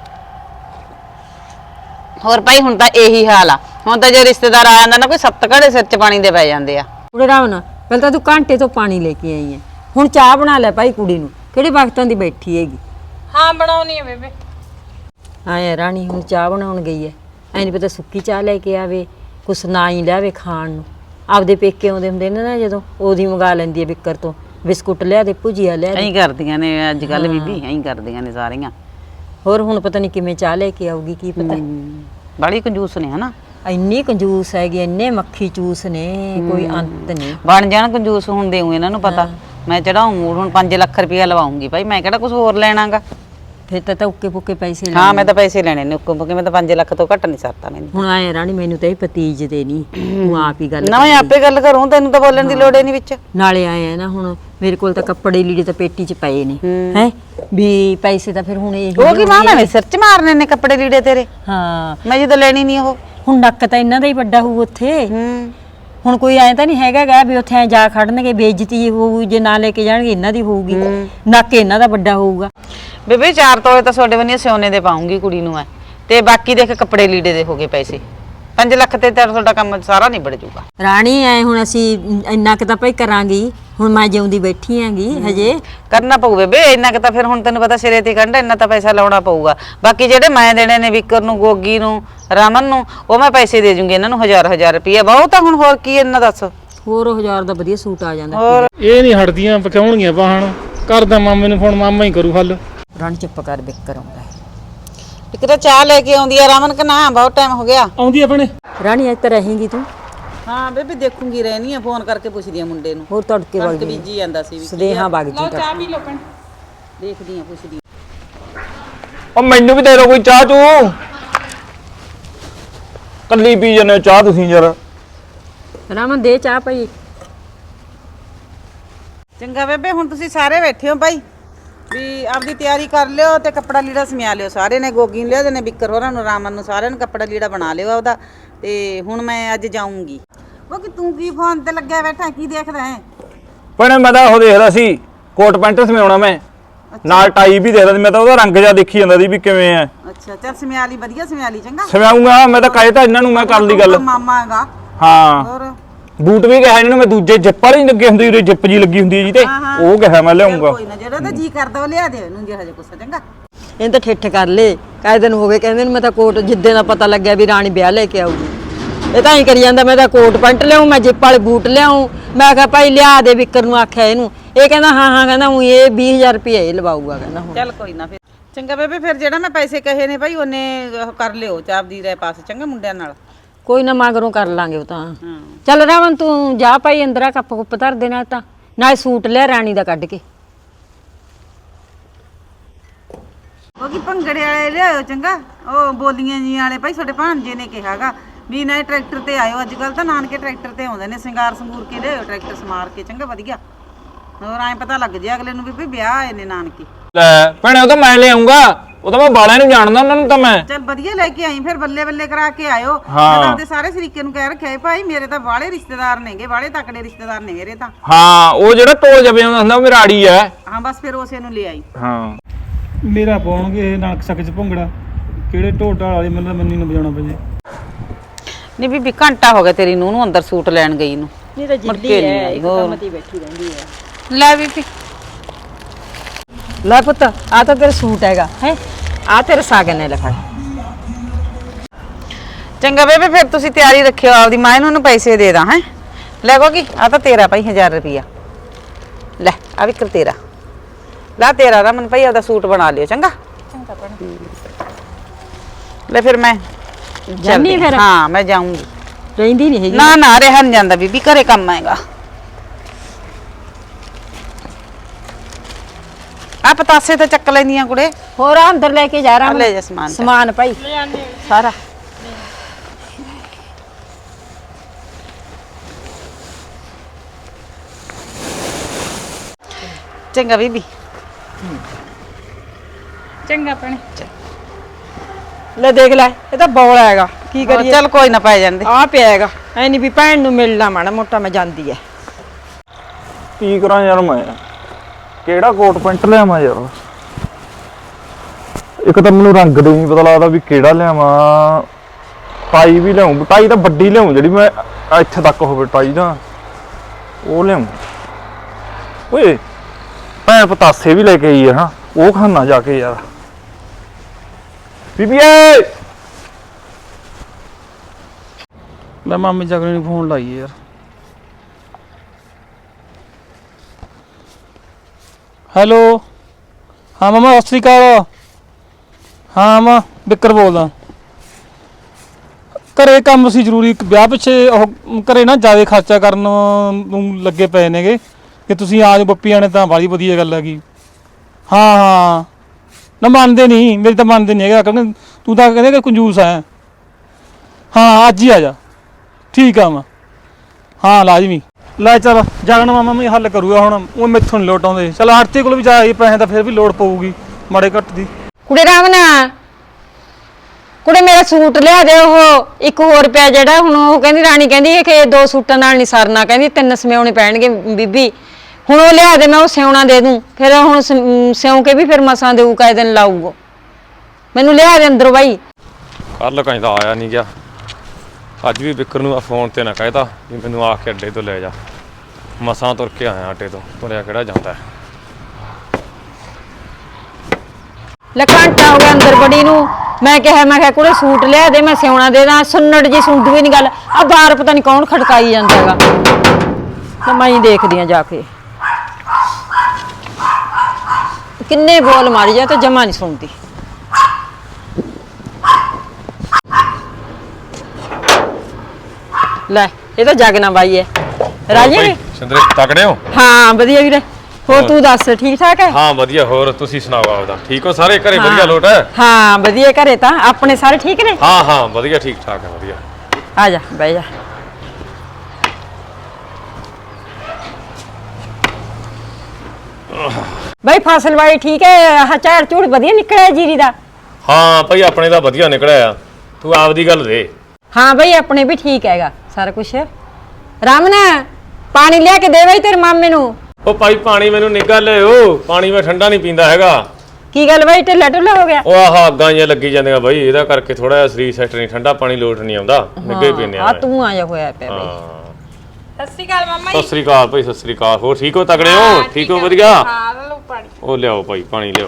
[SPEAKER 6] ਹੋਰ ਭਾਈ ਹੁਣ ਤਾਂ ਇਹੀ ਹਾਲ ਆ ਹੁਣ ਤਾਂ ਜੇ ਰਿਸ਼ਤੇਦਾਰ ਆ ਜਾਂਦਾ ਨਾ ਕੋਈ ਸੱਤ ਘੜੇ ਸਿਰ 'ਚ ਪਾਣੀ ਦੇ ਪੈ ਜਾਂਦੇ ਆ
[SPEAKER 2] ਕੁੜੇ ਰਾਵਣਾ ਪਹਿਲਾਂ ਤਾਂ ਤੂੰ ਘੰਟੇ ਤੋਂ ਪਾਣੀ ਲੈ ਕੇ ਆਈ ਹੈ ਹੁਣ ਚਾਹ ਬਣਾ ਲੈ ਭਾਈ ਕੁੜੀ ਨੂੰ ਕਿਹੜੇ ਵਕਤਾਂ ਦੀ ਬੈਠੀ ਹੈਗੀ
[SPEAKER 3] ਹਾਂ ਬਣਾਉਣੀ ਆ ਬੇਬੇ
[SPEAKER 2] ਆਇਆ ਰਾਣੀ ਹੁਣ ਚਾਹ ਬਣਾਉਣ ਗਈ ਹੈ ਐ ਨਹੀਂ ਪਤਾ ਸੁੱਕੀ ਚਾਹ ਲੈ ਕੇ ਆਵੇ ਕੁਛ ਨਾ ਹੀ ਲਿਆਵੇ ਖਾਣ ਨੂੰ ਆਪਦੇ ਪੇਕੇ ਆਉਂਦੇ ਹੁੰਦੇ ਨੇ ਨਾ ਜਦੋਂ ਉਹਦੀ ਮੰਗਾ ਲੈਂਦੀ ਹੈ ਵਿਕਰ ਤੋਂ ਬਿਸਕੁਟ ਲਿਆ ਦੇ ਭੁਜੀਆ ਲਿਆ ਦੇ
[SPEAKER 6] ਐਂ ਕਰਦੀਆਂ ਨੇ ਅੱਜ ਕੱਲ ਬੀਬੀ ਐਂ ਕਰਦੀਆਂ ਨੇ ਸਾਰੀਆਂ
[SPEAKER 2] ਹੋਰ ਹੁਣ ਪਤਾ ਨਹੀਂ ਕਿਵੇਂ ਚਾਹ ਲੈ ਕੇ ਆਊਗੀ ਕੀ ਪਤਾ
[SPEAKER 6] ਬੜੀ ਕੰਜੂਸ ਨੇ ਹਨਾ
[SPEAKER 2] ਇੰਨੀ ਕੰਜੂਸ ਹੈਗੀ ਇੰਨੇ ਮੱਖੀ ਚੂਸ ਨੇ ਕੋਈ ਅੰਤ ਨਹੀਂ
[SPEAKER 6] ਬਣ ਜਾਣ ਕੰਜੂਸ ਹੁਣ ਦੇਉ ਇਹਨਾਂ ਨੂੰ ਪਤਾ ਮੈਂ ਚੜਾਉਂ ਹੁਣ ਪੰਜ ਲੱਖ ਰੁਪਇਆ ਲਵਾਉਂਗੀ ਭਾਈ ਮੈਂ ਕਿਹੜਾ ਕੁਝ ਹੋਰ ਲੈਣਾਗਾ
[SPEAKER 2] ਫਿਰ ਤਾਂ ਤਾਂ ਉੱਕੇ ਪੁੱਕੇ ਪੈਸੇ ਲੈ
[SPEAKER 6] ਹਾਂ ਮੈਂ ਤਾਂ ਪੈਸੇ ਲੈਣੇ ਨੇ ਉੱਕੋ ਕਿ ਮੈਂ ਤਾਂ ਪੰਜ ਲੱਖ ਤੋਂ ਘੱਟ ਨਹੀਂ ਸਰਤਾ ਮੈਨੂੰ
[SPEAKER 2] ਹੁਣ ਆਏ ਰਾਣੀ ਮੈਨੂੰ ਤਾਂ ਇਹ ਪਤੀਜ ਦੇ ਨਹੀਂ ਤੂੰ ਆਪ ਹੀ ਗੱਲ
[SPEAKER 6] ਨਾ ਮੈਂ ਆਪੇ ਗੱਲ ਕਰੂੰ ਤੈਨੂੰ ਤਾਂ ਬੋਲਣ ਦੀ ਲੋੜ ਹੀ ਨਹੀਂ ਵਿੱਚ
[SPEAKER 2] ਨਾਲੇ ਆਏ ਆ ਨਾ ਹੁਣ ਮੇਰੇ ਕੋਲ ਤਾਂ ਕੱਪੜੇ ਲੀੜੇ ਤਾਂ ਪੇਟੀ 'ਚ ਪਏ ਨੇ ਹੈ ਵੀ ਪੈਸੇ ਤਾਂ ਫਿਰ ਹੁਣ ਇਹ
[SPEAKER 6] ਉਹ ਕੀ ਮਾਂ ਮੈਂ ਸਿਰ 'ਚ ਮਾਰਨੇ ਨੇ ਕੱਪੜੇ ਲੀੜੇ ਤੇਰੇ
[SPEAKER 2] ਹਾਂ
[SPEAKER 6] ਮੈਂ ਜਦੋਂ ਲੈਣੀ ਨਹੀਂ ਉਹ
[SPEAKER 2] ਹੁਣ ਨੱਕ ਤਾਂ ਇਹਨਾਂ ਦਾ ਹੀ ਵੱਡਾ ਹੋਊ ਉੱਥੇ
[SPEAKER 6] ਹੂੰ
[SPEAKER 2] ਹੁਣ ਕੋਈ ਐਂ ਤਾਂ ਨਹੀਂ ਹੈਗਾਗਾ ਵੀ ਉੱਥੇ ਐ ਜਾ ਖੜਨਗੇ ਬੇਇੱਜ਼ਤੀ ਹੋਊ ਜੇ ਨਾ ਲੈ ਕੇ ਜਾਣਗੇ ਇਹਨਾਂ ਦੀ ਹੋਊਗੀ ਨੱਕ ਇਹਨਾਂ ਦਾ ਵੱਡਾ ਹੋਊਗਾ
[SPEAKER 6] ਬੇਬੇ ਚਾਰ ਤੋਲੇ ਤਾਂ ਤੁਹਾਡੇ ਬੰਨੇ ਸਿਉਨੇ ਦੇ ਪਾਉਂਗੀ ਕੁੜੀ ਨੂੰ ਐ ਤੇ ਬਾਕੀ ਦੇਖ ਕੱਪੜੇ ਲੀੜੇ ਦੇ ਹੋਗੇ ਪੈਸੇ ਪੰਜ ਲੱਖ ਤੇ ਤਾਂ ਤੁਹਾਡਾ ਕੰਮ ਸਾਰਾ ਨਿਬੜ ਜਾਊਗਾ
[SPEAKER 2] ਰਾਣੀ ਐ ਹੁਣ ਅਸੀਂ ਇੰਨਾ ਕੁ ਤਾਂ ਭਾਈ ਕਰਾਂਗੀ ਹੁਣ ਮੈਂ ਜਿਉਂਦੀ ਬੈਠੀ ਆਂਗੀ ਹਜੇ
[SPEAKER 6] ਕਰਨਾ ਪਊ ਬੇਬੇ ਇੰਨਾ ਕਿ ਤਾਂ ਫਿਰ ਹੁਣ ਤੈਨੂੰ ਪਤਾ ਸਿਰੇ ਤੇ ਕੰਡਾ ਇੰਨਾ ਤਾਂ ਪੈਸਾ ਲਾਉਣਾ ਪਊਗਾ ਬਾਕੀ ਜਿਹੜੇ ਮੈਂ ਦੇਣੇ ਨੇ ਵਿਕਰ ਨੂੰ ਗੋਗੀ ਨੂੰ ਰਮਨ ਨੂੰ ਉਹ ਮੈਂ ਪੈਸੇ ਦੇ ਜੂੰਗੀ ਇਹਨਾਂ ਨੂੰ ਹਜ਼ਾਰ ਹਜ਼ਾਰ ਰੁਪਏ ਬਹੁਤ ਆ ਹੁਣ ਹੋਰ ਕੀ ਇਹਨਾਂ ਦੱਸ
[SPEAKER 2] ਹੋਰ ਹਜ਼ਾਰ ਦਾ ਵਧੀਆ ਸੂਟ ਆ ਜਾਂਦਾ
[SPEAKER 6] ਹੋਰ
[SPEAKER 4] ਇਹ ਨਹੀਂ ਹਟਦੀਆਂ ਪਕਾਉਣਗੀਆਂ ਬਾਹਣ ਕਰਦਾ ਮਾਮੇ ਨੂੰ ਫੋਨ ਮਾਮਾ ਹੀ ਕਰੂ ਹੱਲ
[SPEAKER 2] ਰਾਣੀ ਚੁੱਪ ਕਰ ਬਿੱਕਰ ਆਉਂਦਾ ਹੈ
[SPEAKER 6] ਇੱਕ ਤਾਂ ਚਾਹ ਲੈ ਕੇ ਆਉਂਦੀ ਆ ਰਮਨ ਕਿ ਨਾ ਬਹੁਤ ਟਾਈਮ ਹੋ ਗਿਆ
[SPEAKER 4] ਆਉਂਦੀ ਆ ਭੈਣੇ
[SPEAKER 2] ਰਾਣੀ ਅੱਜ ਤਾਂ ਰਹੇਂਗੀ ਤੂੰ
[SPEAKER 6] ਹਾਂ ਬੇਬੇ ਦੇਖੂੰਗੀ ਰਹਿਣੀ ਆ ਫੋਨ ਕਰਕੇ ਪੁੱਛਦੀ ਆ ਮੁੰਡੇ ਨੂੰ
[SPEAKER 2] ਹੋਰ ਤੜਕੇ ਵਗ ਜੀ
[SPEAKER 6] ਬੀਜੀ ਜਾਂਦਾ ਸੀ ਵੀ
[SPEAKER 2] ਸਦੇਹਾ ਵਗ ਜੀ
[SPEAKER 3] ਚਾਹ ਪੀ ਲਓ ਭੈਣ
[SPEAKER 6] ਦੇਖਦੀ ਆ ਪੁੱਛਦੀ
[SPEAKER 5] ਉਹ ਮੈਨੂੰ ਵੀ ਦੇ ਦਿਓ ਕੋਈ ਚਾਹ ਚੂ ਕੱਲੀ ਪੀ ਜੰਨੇ ਚਾਹ ਤੁਸੀਂ ਯਾਰ
[SPEAKER 2] ਰਾਮਨ ਦੇ ਚਾਹ ਪਈ
[SPEAKER 6] ਚੰਗਾ ਬੇਬੇ ਹੁਣ ਤੁਸੀਂ ਸਾਰੇ ਬੈਠੇ ਹੋ ਭਾਈ ਵੀ ਆਪਦੀ ਤਿਆਰੀ ਕਰ ਲਿਓ ਤੇ ਕੱਪੜਾ ਲੀੜਾ ਸਮਿਆ ਲਿਓ ਸਾਰੇ ਨੇ ਗੋਗੀ ਨੂੰ ਲਿਆ ਦੇ ਨੇ ਬਿੱਕਰ ਹੋਰਾਂ ਨੂੰ ਰਾਮਨ ਨੂੰ ਸਾਰਿਆਂ ਨੂੰ ਕੱਪੜਾ ਲੀੜਾ ਬਣਾ ਲਿਓ ਆਪਦਾ ਤੇ ਹੁਣ ਮੈਂ ਅੱਜ ਜਾਊਂਗੀ ਉਹ ਕਿ ਤੂੰ ਕੀ ਫੋਨ ਤੇ ਲੱਗਿਆ ਬੈਠਾ ਕੀ ਦੇਖਦਾ ਹੈ
[SPEAKER 5] ਭੈਣੇ ਮੈਂ ਤਾਂ ਉਹ ਦੇਖਦਾ ਸੀ ਕੋਟ ਪੈਂਟ ਸਮਿਆਉਣਾ ਮੈਂ ਨਾਲ ਟਾਈ ਵੀ ਦੇਖਦਾ ਸੀ ਮੈਂ ਤਾਂ ਉਹਦਾ ਰੰਗ ਜਿਹਾ ਦੇਖੀ ਜਾਂਦਾ ਸੀ ਵੀ ਕਿਵੇਂ ਆ
[SPEAKER 6] ਅੱਛਾ ਚੱਲ ਸਮਿਆ ਲਈ ਵਧੀਆ ਸਮਿਆ ਲਈ ਚੰਗਾ
[SPEAKER 5] ਸਮਿਆਉਂਗਾ ਮੈਂ ਤਾਂ ਕਹੇ ਤਾਂ ਇਹਨਾਂ ਨੂੰ ਮੈਂ ਕਰ ਲਈ ਗੱਲ
[SPEAKER 6] ਮਾਮਾ ਹੈਗਾ
[SPEAKER 5] ਹਾਂ
[SPEAKER 6] ਹੋਰ
[SPEAKER 5] ਬੂਟ ਵੀ ਕਿਹਾ ਇਹਨਾਂ ਨੂੰ ਮੈਂ ਦੂਜੇ ਜਿੱਪ ਵਾਲੀ ਲੱਗੇ ਹੁੰਦੀ ਉਰੇ ਜਿੱਪ ਜੀ ਲੱਗੀ ਹੁੰਦੀ ਹੈ ਜੀ ਤੇ ਉਹ ਕਿਹਾ ਮੈਂ ਲਿਆਉਂਗਾ
[SPEAKER 6] ਕੋਈ ਨਾ ਜਿਹੜਾ ਤਾਂ ਜੀ ਕਰਦਾ ਉਹ ਲਿਆ ਦੇ ਇਹਨੂੰ ਜੇ ਹਜੇ ਕੁਛ ਚੰਗਾ
[SPEAKER 2] ਇਹਨੂੰ ਤਾਂ ਠਿੱਠ ਕਰ ਲੇ ਕਾਇ ਦਿਨ ਹੋ ਗਏ ਕਹਿੰਦੇ ਨੇ ਮੈਂ ਤਾਂ ਕੋਟ ਜਿੱਦੇ ਦਾ ਪਤਾ ਲੱਗਿਆ ਵੀ ਰਾਣੀ ਵਿਆਹ ਲੈ ਕੇ ਆਊਗੀ ਇਹ ਤਾਂ ਹੀ ਕਰੀ ਜਾਂਦਾ ਮੈਂ ਤਾਂ ਕੋਟ ਪੈਂਟ ਲਿਆਉਂ ਮੈਂ ਜਿੱਪ ਵਾਲੇ ਬੂਟ ਲਿਆਉਂ ਮੈਂ ਕਿਹਾ ਭਾਈ ਲਿਆ ਦੇ ਵਿਕਰ ਨੂੰ ਆਖਿਆ ਇਹਨੂੰ ਇਹ ਕਹਿੰਦਾ ਹਾਂ ਹਾਂ ਕਹਿੰਦਾ ਉਹ ਇਹ ਵੀਹ ਹਜ਼ਾਰ ਰੁਪਏ ਇਹ ਲਵਾਊਗਾ ਕਹਿੰਦਾ ਹੁਣ
[SPEAKER 6] ਚੱਲ ਕੋਈ ਨਾ ਫਿਰ ਚੰਗਾ ਬੇਬੇ ਫਿਰ ਜਿਹੜਾ ਮੈਂ ਪੈਸੇ ਕਹੇ ਨੇ ਭਾਈ ਉਹਨੇ ਉਹ ਕਰ ਲਿਓ ਚਾਬਦੀ ਦੇ ਪਾਸ ਚੰਗਾ ਮੁੰਡਿਆਂ ਨਾਲ
[SPEAKER 2] ਕੋਈ ਨਾ ਮਗਰੋਂ ਕਰ ਲਾਂਗੇ ਉਹ ਤਾਂ ਚੱਲ ਰਾਵਣ ਤੂੰ ਜਾ ਭਾਈ ਅੰਦਰ ਆ ਕੱਪ ਕੁੱਪ ਧਰ ਦੇ ਨਾਲ ਤਾਂ ਨਾਲ ਸੂਟ ਲਿਆ ਰਾਣੀ ਦਾ ਕੱਢ ਕੇ
[SPEAKER 6] ਉਹ ਕੀ ਭੰਗੜੇ ਵਾਲੇ ਲਿਆਓ ਚੰਗਾ ਉਹ ਬੋਲੀਆਂ ਜੀ ਵਾਲੇ ਭਾਈ ਤੁਹਾਡੇ ਭਾਂਜੇ ਨੇ ਕਿਹਾਗਾ ਵੀ ਨਾ ਟਰੈਕਟਰ ਤੇ ਆਇਓ ਅੱਜ ਕੱਲ ਤਾਂ ਨਾਨਕੇ ਟਰੈਕਟਰ ਤੇ ਆਉਂਦੇ ਨੇ ਸਿੰਗਾਰ ਸੰਗੂਰ ਕੇ ਲਿਆਓ ਟਰੈਕਟਰ ਸਮਾਰ ਕੇ ਚੰਗਾ ਵਧੀਆ ਹੋਰ ਐਂ ਪਤਾ ਲੱਗ ਜੇ ਅਗਲੇ ਨੂੰ ਵੀ ਭਈ ਵਿਆਹ ਆਏ ਨੇ ਨਾਨਕੇ
[SPEAKER 5] ਲੈ ਭੈਣੇ ਉਹ ਤਾਂ ਮੈਂ ਲਿਆਉਂਗਾ ਉਹ ਤਾਂ ਮੈਂ ਬਾਲਿਆਂ ਨੂੰ ਜਾਣਦਾ ਉਹਨਾਂ ਨੂੰ ਤਾਂ ਮੈਂ
[SPEAKER 6] ਚੱਲ ਵਧੀਆ ਲੈ ਕੇ ਆਈ ਫਿਰ ਬੱਲੇ ਬੱਲੇ ਕਰਾ ਕੇ ਆਇਓ
[SPEAKER 5] ਹਾਂ।
[SPEAKER 6] ਮੈਂ ਤਾਂ ਆਪਦੇ ਸਾਰੇ ਸਰੀਕੇ ਨੂੰ ਕਹਿ ਰੱਖਿਆ ਭਾਈ ਮੇਰੇ ਤਾਂ ਵਾਲੇ ਰਿਸ਼ਤੇਦਾਰ ਨੇਗੇ ਵਾਲੇ ਤਕੜੇ ਰਿਸ਼ਤੇਦਾਰ ਨੇ ਮੇਰੇ ਤਾਂ
[SPEAKER 5] ਹਾਂ ਉਹ ਜਿਹੜਾ ਟੋਲ ਜਵੇ ਹੁੰਦਾ ਉਹ ਮੇਰਾ ਆੜੀ ਹੈ
[SPEAKER 6] ਹਾਂ ਬਸ ਫਿਰ ਉਸੇ ਨੂੰ ਲੈ ਆਈ
[SPEAKER 5] ਹਾਂ
[SPEAKER 4] ਮੇਰਾ ਪਾਉਣਗੇ ਇਹ ਨਾਨਕ ਸੱਕ ਚ ਭੁੰਗੜਾ ਕਿਹੜੇ ਢੋਲ ਢਾਲ ਵਾਲੇ ਮੈਨੂੰ ਮੰਨੀ ਨੂੰ ਵਜਾਉਣਾ ਪਏ
[SPEAKER 6] ਨਹੀਂ ਬੀਬੀ ਘੰਟਾ ਹੋ ਗਿਆ ਤੇਰੀ ਨੂੰਹ ਨੂੰ ਅੰਦਰ ਸੂਟ ਲੈਣ ਗਈ ਨੂੰ।
[SPEAKER 2] ਨਹੀਂ ਤਾਂ
[SPEAKER 6] ਮੁੜ ਕੇ
[SPEAKER 2] ਜਿੱਦੀ
[SPEAKER 6] ਨਹੀਂ
[SPEAKER 2] ਹੈ
[SPEAKER 6] ਆਈ,
[SPEAKER 2] ਇੱਕ
[SPEAKER 6] ਹੋਰ।
[SPEAKER 2] ਕੰਮ ਤੇ ਹੀ ਬੈਠੀ ਰਹਿੰਦੀ ਹੈ।
[SPEAKER 3] ਲੈ ਬੀਬੀ
[SPEAKER 2] ਲੈ ਪੁੱਤ ਆ ਤਾਂ ਤੇਰਾ ਸੂਟ ਹੈਗਾ ਹੈ ਆ ਤੇਰਾ ਸਾਗਨ ਹੈ, ਲੈ ਫੜ।
[SPEAKER 6] ਚੰਗਾ ਬੇਬੇ ਫਿਰ ਤੁਸੀਂ ਤਿਆਰੀ ਰੱਖਿਓ ਆਪਦੀ ਮਾਂ ਨੂੰ, ਉਹਨੂੰ ਪੈਸੇ ਦੇ ਦਾਂ ਹੈ। ਲੈ ਗੋਗੀ ਆ ਤਾਂ ਤੇਰਾ ਭਾਈ ਹਜ਼ਾਰ ਰੁਪਿਆ ਲੈ, ਆ ਵੀ ਕਰ ਤੇਰਾ ਲਾ ਤੇਰਾ ਰਮਨ ਭਾਈ ਆਪਦਾ ਸੂਟ ਬਣਾ ਲਿਓ। ਚੰਗਾ
[SPEAKER 3] ਚੰਗਾ ਭੈਣੇ।
[SPEAKER 6] ਲੈ ਫਿਰ ਮੈਂ
[SPEAKER 2] ਜਾਨੀ
[SPEAKER 6] ਚੱਲਦੀ
[SPEAKER 2] ਫਿਰ?
[SPEAKER 6] ਹਾਂ ਮੈਂ ਜਾਊਂਗੀ।
[SPEAKER 2] ਰਹਿੰਦੀ ਨਹੀਂ ਹੈਗੀ।
[SPEAKER 6] ਨਾ ਨਾ ਰਹਿਣ ਜਾਂਦਾ ਬੀਬੀ, ਘਰੇ ਕੰਮ ਆਏਗਾ। ਆ ਪਤਾਸੇ ਤਾਂ ਚੱਕ ਲੈਂਦੀਆਂ ਕੁੜੇ।
[SPEAKER 2] ਹੋਰ ਆ ਅੰਦਰ ਲੈ ਕੇ ਜਾ ਰਹਾ
[SPEAKER 6] ਆ ਲੈ ਜਾ ਸਮਾਨ ਤਾਂ।
[SPEAKER 2] ਸਮਾਨ ਭਾਈ ਸਾਰਾ।
[SPEAKER 6] ਚੰਗਾ ਬੀਬੀ।
[SPEAKER 3] ਚੰਗਾ ਭੈਣੇ।
[SPEAKER 2] ਲੈ ਦੇਖ ਲੈ ਇਹ ਤਾਂ ਬੌਲਾ ਹੈਗਾ, ਕੀ ਕਰੀਏ।
[SPEAKER 6] ਚੱਲ ਕੋਈ ਨਾ ਪੈ ਜਾਂਦੇ।
[SPEAKER 2] ਆ ਪਿਆ ਹੈਗਾ, ਐ ਨਹੀਂ ਵੀ ਭੈਣ ਨੂੰ ਮਿਲਣਾ ਮਾੜਾ ਮੋਟਾ ਮੈਂ ਜਾਂਦੀ ਐ।
[SPEAKER 5] ਕੀ ਕਰਾਂ ਯਾਰ ਮੈਂ, ਕਿਹੜਾ ਕੋਟ ਪੈਂਟ ਲਿਆਵਾਂ ਯਾਰ। ਇੱਕ ਤਾਂ ਮੈਨੂੰ ਰੰਗ ਦੇ ਨਹੀਂ ਪਤਾ ਲੱਗਦਾ ਵੀ ਕਿਹੜਾ ਲਿਆਵਾਂ। ਟਾਈ ਵੀ ਲਿਆਉਂ, ਟਾਈ ਤਾਂ ਵੱਡੀ ਲਿਆਉਂ ਜਿਹੜੀ ਮੈਂ ਇੱਥੇ ਤੱਕ ਹੋਵੇ ਟਾਈ ਨਾ, ਉਹ ਲਿਆਉਂ। ਓਏ ਭੈਣ ਪਤਾਸੇ ਵੀ ਲੈ ਕੇ ਆਈ ਹੈ ਨਾ, ਉਹ ਖਾਣਾ ਜਾ ਕੇ ਯਾਰ। ਬੀਬੀ ਏ
[SPEAKER 4] ਮੈਂ ਮਾਮੀ ਜਗਰੇ ਨੂੰ ਫੋਨ ਲਾਈ ਯਾਰ। ਹੈਲੋ, ਹਾਂ ਮਾਮਾ ਸਤਿ ਸ਼੍ਰੀ ਅਕਾਲ। ਹਾਂ ਮਾਂ ਬਿੱਕਰ ਬੋਲਦਾ। ਘਰੇ ਕੰਮ ਸੀ ਜ਼ਰੂਰੀ, ਇੱਕ ਵਿਆਹ ਪਿੱਛੇ ਉਹ ਘਰੇ ਨਾ ਜ਼ਿਆਦਾ ਖਰਚਾ ਕਰਨ ਨੂੰ ਲੱਗੇ ਪਏ ਨੇਗੇ, ਕਿ ਤੁਸੀਂ ਆ ਜਾਓ ਬੱਪੀ ਆਣੇ ਤਾਂ ਬੜੀ ਵਧੀਆ ਗੱਲ ਹੈਗੀ। ਹਾਂ ਹਾਂ ਨਾ ਮੰਨਦੇ ਨਹੀਂ, ਮੇਰੀ ਤਾਂ ਮੰਨਦੇ ਨਹੀਂ ਹੈਗਾ, ਕਹਿੰਦੇ ਤੂੰ ਤਾਂ ਕਹਿੰਦੇ ਕਿ ਕੰਜੂਸ ਹੈ। ਹਾਂ ਅੱਜ ਹੀ ਆ ਜਾ, ਠੀਕ ਆ ਮਾਂ। ਹਾਂ ਲਾਜ਼ਮੀ। ਲੈ ਚੱਲ ਜਾਗਣ ਮਾਮਾ ਮੈਂ ਹੱਲ ਕਰੂਗਾ ਹੁਣ, ਉਹ ਮੈਥੋਂ ਨਹੀਂ ਲੋਟ ਆਉਂਦੇ। ਚੱਲ ਆੜਤੀ ਕੋਲ ਵੀ ਜਾ ਆਈ ਪੈਸੇ ਤਾਂ ਫਿਰ ਵੀ ਲੋੜ ਪਊਗੀ ਮਾੜੇ ਘੱਟ ਦੀ।
[SPEAKER 2] ਕੁੜੇ ਰਾਮਨਾ, ਕੁੜੇ ਮੇਰਾ ਸੂਟ ਲਿਆ ਦੇ। ਉਹ ਇੱਕ ਹੋਰ ਪਿਆ ਜਿਹੜਾ ਹੁਣ, ਉਹ ਕਹਿੰਦੀ ਰਾਣੀ ਕਹਿੰਦੀ ਕਿ ਦੋ ਸੂਟਾਂ ਨਾਲ ਨਹੀਂ ਸਰਨਾ, ਕਹਿੰਦੀ ਤਿੰਨ ਸਿਉਣੇ ਪੈਣਗੇ ਬੀਬੀ। ਹੁਣ ਉਹ ਲਿਆ ਦੇ, ਮੈਂ ਉਹ ਸਿਉਣਾ ਦੇ ਦੂੰ, ਫਿਰ ਹੁਣ ਸਿਉਂ ਕੇ ਵੀ ਫਿਰ ਮਸਾਂ ਦੇਊ, ਕਾਇ ਦਿਨ ਲਾਊਗਾ। ਮੈਨੂੰ ਲਿਆ ਦੇ ਅੰਦਰੋਂ ਬਾਈ।
[SPEAKER 7] ਕੱਲ ਕਹਿੰਦਾ ਆਇਆ ਨਹੀਂ ਗਿਆ, ਅੱਜ ਵੀ ਵਿਕਰ ਨੂੰ ਫੋਨ ਤੇ ਨਾ ਕਹਿਤਾ ਵੀ ਮੈਨੂੰ ਆ ਕੇ ਅੱਡੇ ਤੋਂ ਲੈ ਜਾ। ਮਸਾਂ ਤੁਰ ਕੇ ਆਇਆ ਅੱਡੇ ਤੋਂ, ਤੁਰਿਆ ਕਿਹੜਾ ਜਾਂਦਾ ਹੈ।
[SPEAKER 2] ਲੈ ਘੰਟਾ ਹੋ ਗਿਆ ਅੰਦਰ ਬੜੀ ਨੂੰ, ਮੈਂ ਕਿਹਾ ਮੈਂ ਕਿਹਾ ਕੁੜੇ ਸੂਟ ਲਿਆ ਦੇ, ਮੈਂ ਸਿਉਣਾ ਦੇ ਦਾਂ। ਸੁੰਨੜ ਜੀ ਸੁਣਦੀ ਵੀ ਨਹੀਂ ਗੱਲ। ਆ ਬਾਹਰ ਪਤਾ ਨਹੀਂ ਕੌਣ ਖੜਕਾਈ ਜਾਂਦਾ ਹੈਗਾ, ਤੇ ਮੈਂ ਹੀ ਦੇਖਦੀ ਆ ਜਾ ਕੇ। ਕਿੰਨੇ ਬੋਲ ਮਾਰੀ ਜਾ ਤੇ ਜਮਾ ਨਹੀਂ ਸੁਣਦੀ। ਲੈ ਇਹ ਤਾਂ ਜਗਨਾ ਬਾਈ ਹੈ। ਰਾਜੇ
[SPEAKER 7] ਭਾਈ ਸਿੰਦਰੇ ਤਕੜੇ ਹੋ?
[SPEAKER 2] ਹਾਂ ਵਧੀਆ ਵੀਰੇ। ਹੋਰ ਤੂੰ ਦੱਸ ਠੀਕ ਠਾਕ ਹੈ?
[SPEAKER 7] ਹਾਂ ਵਧੀਆ, ਹੋਰ ਤੁਸੀਂ ਸੁਣਾਓ ਆਪਦਾ? ਠੀਕ ਹੋ ਸਾਰੇ ਘਰੇ? ਵਧੀਆ ਲੋਟ ਹੈ?
[SPEAKER 2] ਹਾਂ ਵਧੀਆ, ਘਰੇ ਤਾਂ ਆਪਣੇ ਸਾਰੇ ਠੀਕ ਨੇ?
[SPEAKER 7] ਹਾਂ ਹਾਂ ਵਧੀਆ, ਠੀਕ ਠਾਕ ਹੈ, ਵਧੀਆ।
[SPEAKER 2] ਆ ਜਾ ਬਹਿ ਜਾ। ਬਾਈ ਫਸਲ ਵਾਲੀ ਠੀਕ ਹੈ? ਆਹ ਝਾੜ ਝੂੜ ਵਧੀਆ ਨਿਕਲਿਆ ਜੀਰੀ ਦਾ?
[SPEAKER 7] ਹਾਂ ਭਾਈ ਆਪਣੇ ਤਾਂ ਵਧੀਆ ਨਿਕਲਿਆ ਆ, ਤੂੰ ਆਪਦੀ ਗੱਲ ਦੇ।
[SPEAKER 2] ਹਾਂ ਬਾਈ ਆਪਣੇ ਵੀ ਠੀਕ ਹੈਗਾ ਸਾਰਾ ਕੁਝ। ਰਾਮਨਾ ਪਾਣੀ ਲਿਆ ਕੇ ਦੇ ਬਾਈ ਤੇਰੇ ਮਾਮੇ ਨੂੰ।
[SPEAKER 7] ਉਹ ਭਾਈ ਪਾਣੀ ਮੈਨੂੰ ਨਿੱਘਾ ਲਿਓ, ਪਾਣੀ ਮੈਂ ਠੰਡਾ ਨਹੀਂ ਪੀਂਦਾ ਹੈਗਾ।
[SPEAKER 2] ਕੀ ਗੱਲ ਬਾਈ ਢਿੱਲਾ ਢੁੱਲਾ ਹੋ ਗਿਆ?
[SPEAKER 7] ਉਹ ਆਹ ਅੱਗਾਂ ਜਿਹੀਆਂ ਲੱਗੀ ਜਾਂਦੀਆਂ ਬਾਈ, ਇਹਦਾ ਕਰਕੇ ਥੋੜਾ ਜਿਹਾ ਸਰੀਰ ਸੈੱਟ ਨਹੀਂ, ਠੰਡਾ ਪਾਣੀ ਲੋਟ ਨਹੀਂ ਆਉਂਦਾ, ਨਿੱਘਾ ਹੀ ਪੀਂਦੇ ਆ।
[SPEAKER 2] ਆ ਤੂੰ ਆਇਆ ਹੋਇਆ ਪਿਆ ਬਾਈ।
[SPEAKER 7] ਹਾਂ
[SPEAKER 3] ਸਤਿ ਸ਼੍ਰੀ ਅਕਾਲ ਮਾਮਾ
[SPEAKER 7] ਸਤਿ
[SPEAKER 3] ਜੀ।
[SPEAKER 7] ਸ੍ਰੀ ਅਕਾਲ ਭਾਈ, ਸਤਿ ਸ੍ਰੀ ਅਕਾਲ। ਹੋਰ ਠੀਕ ਹੋ? ਤਗੜੇ ਹੋ?
[SPEAKER 3] ਹਾਂ,
[SPEAKER 7] ਠੀਕ ਹੋ?
[SPEAKER 3] ਆ।
[SPEAKER 7] ਵਧੀਆ।
[SPEAKER 3] ਹਾਂ ਲਓ ਪਾਣੀ।
[SPEAKER 7] ਉਹ ਲਿਆਓ ਭਾਈ ਪਾਣੀ ਲਿਆਓ।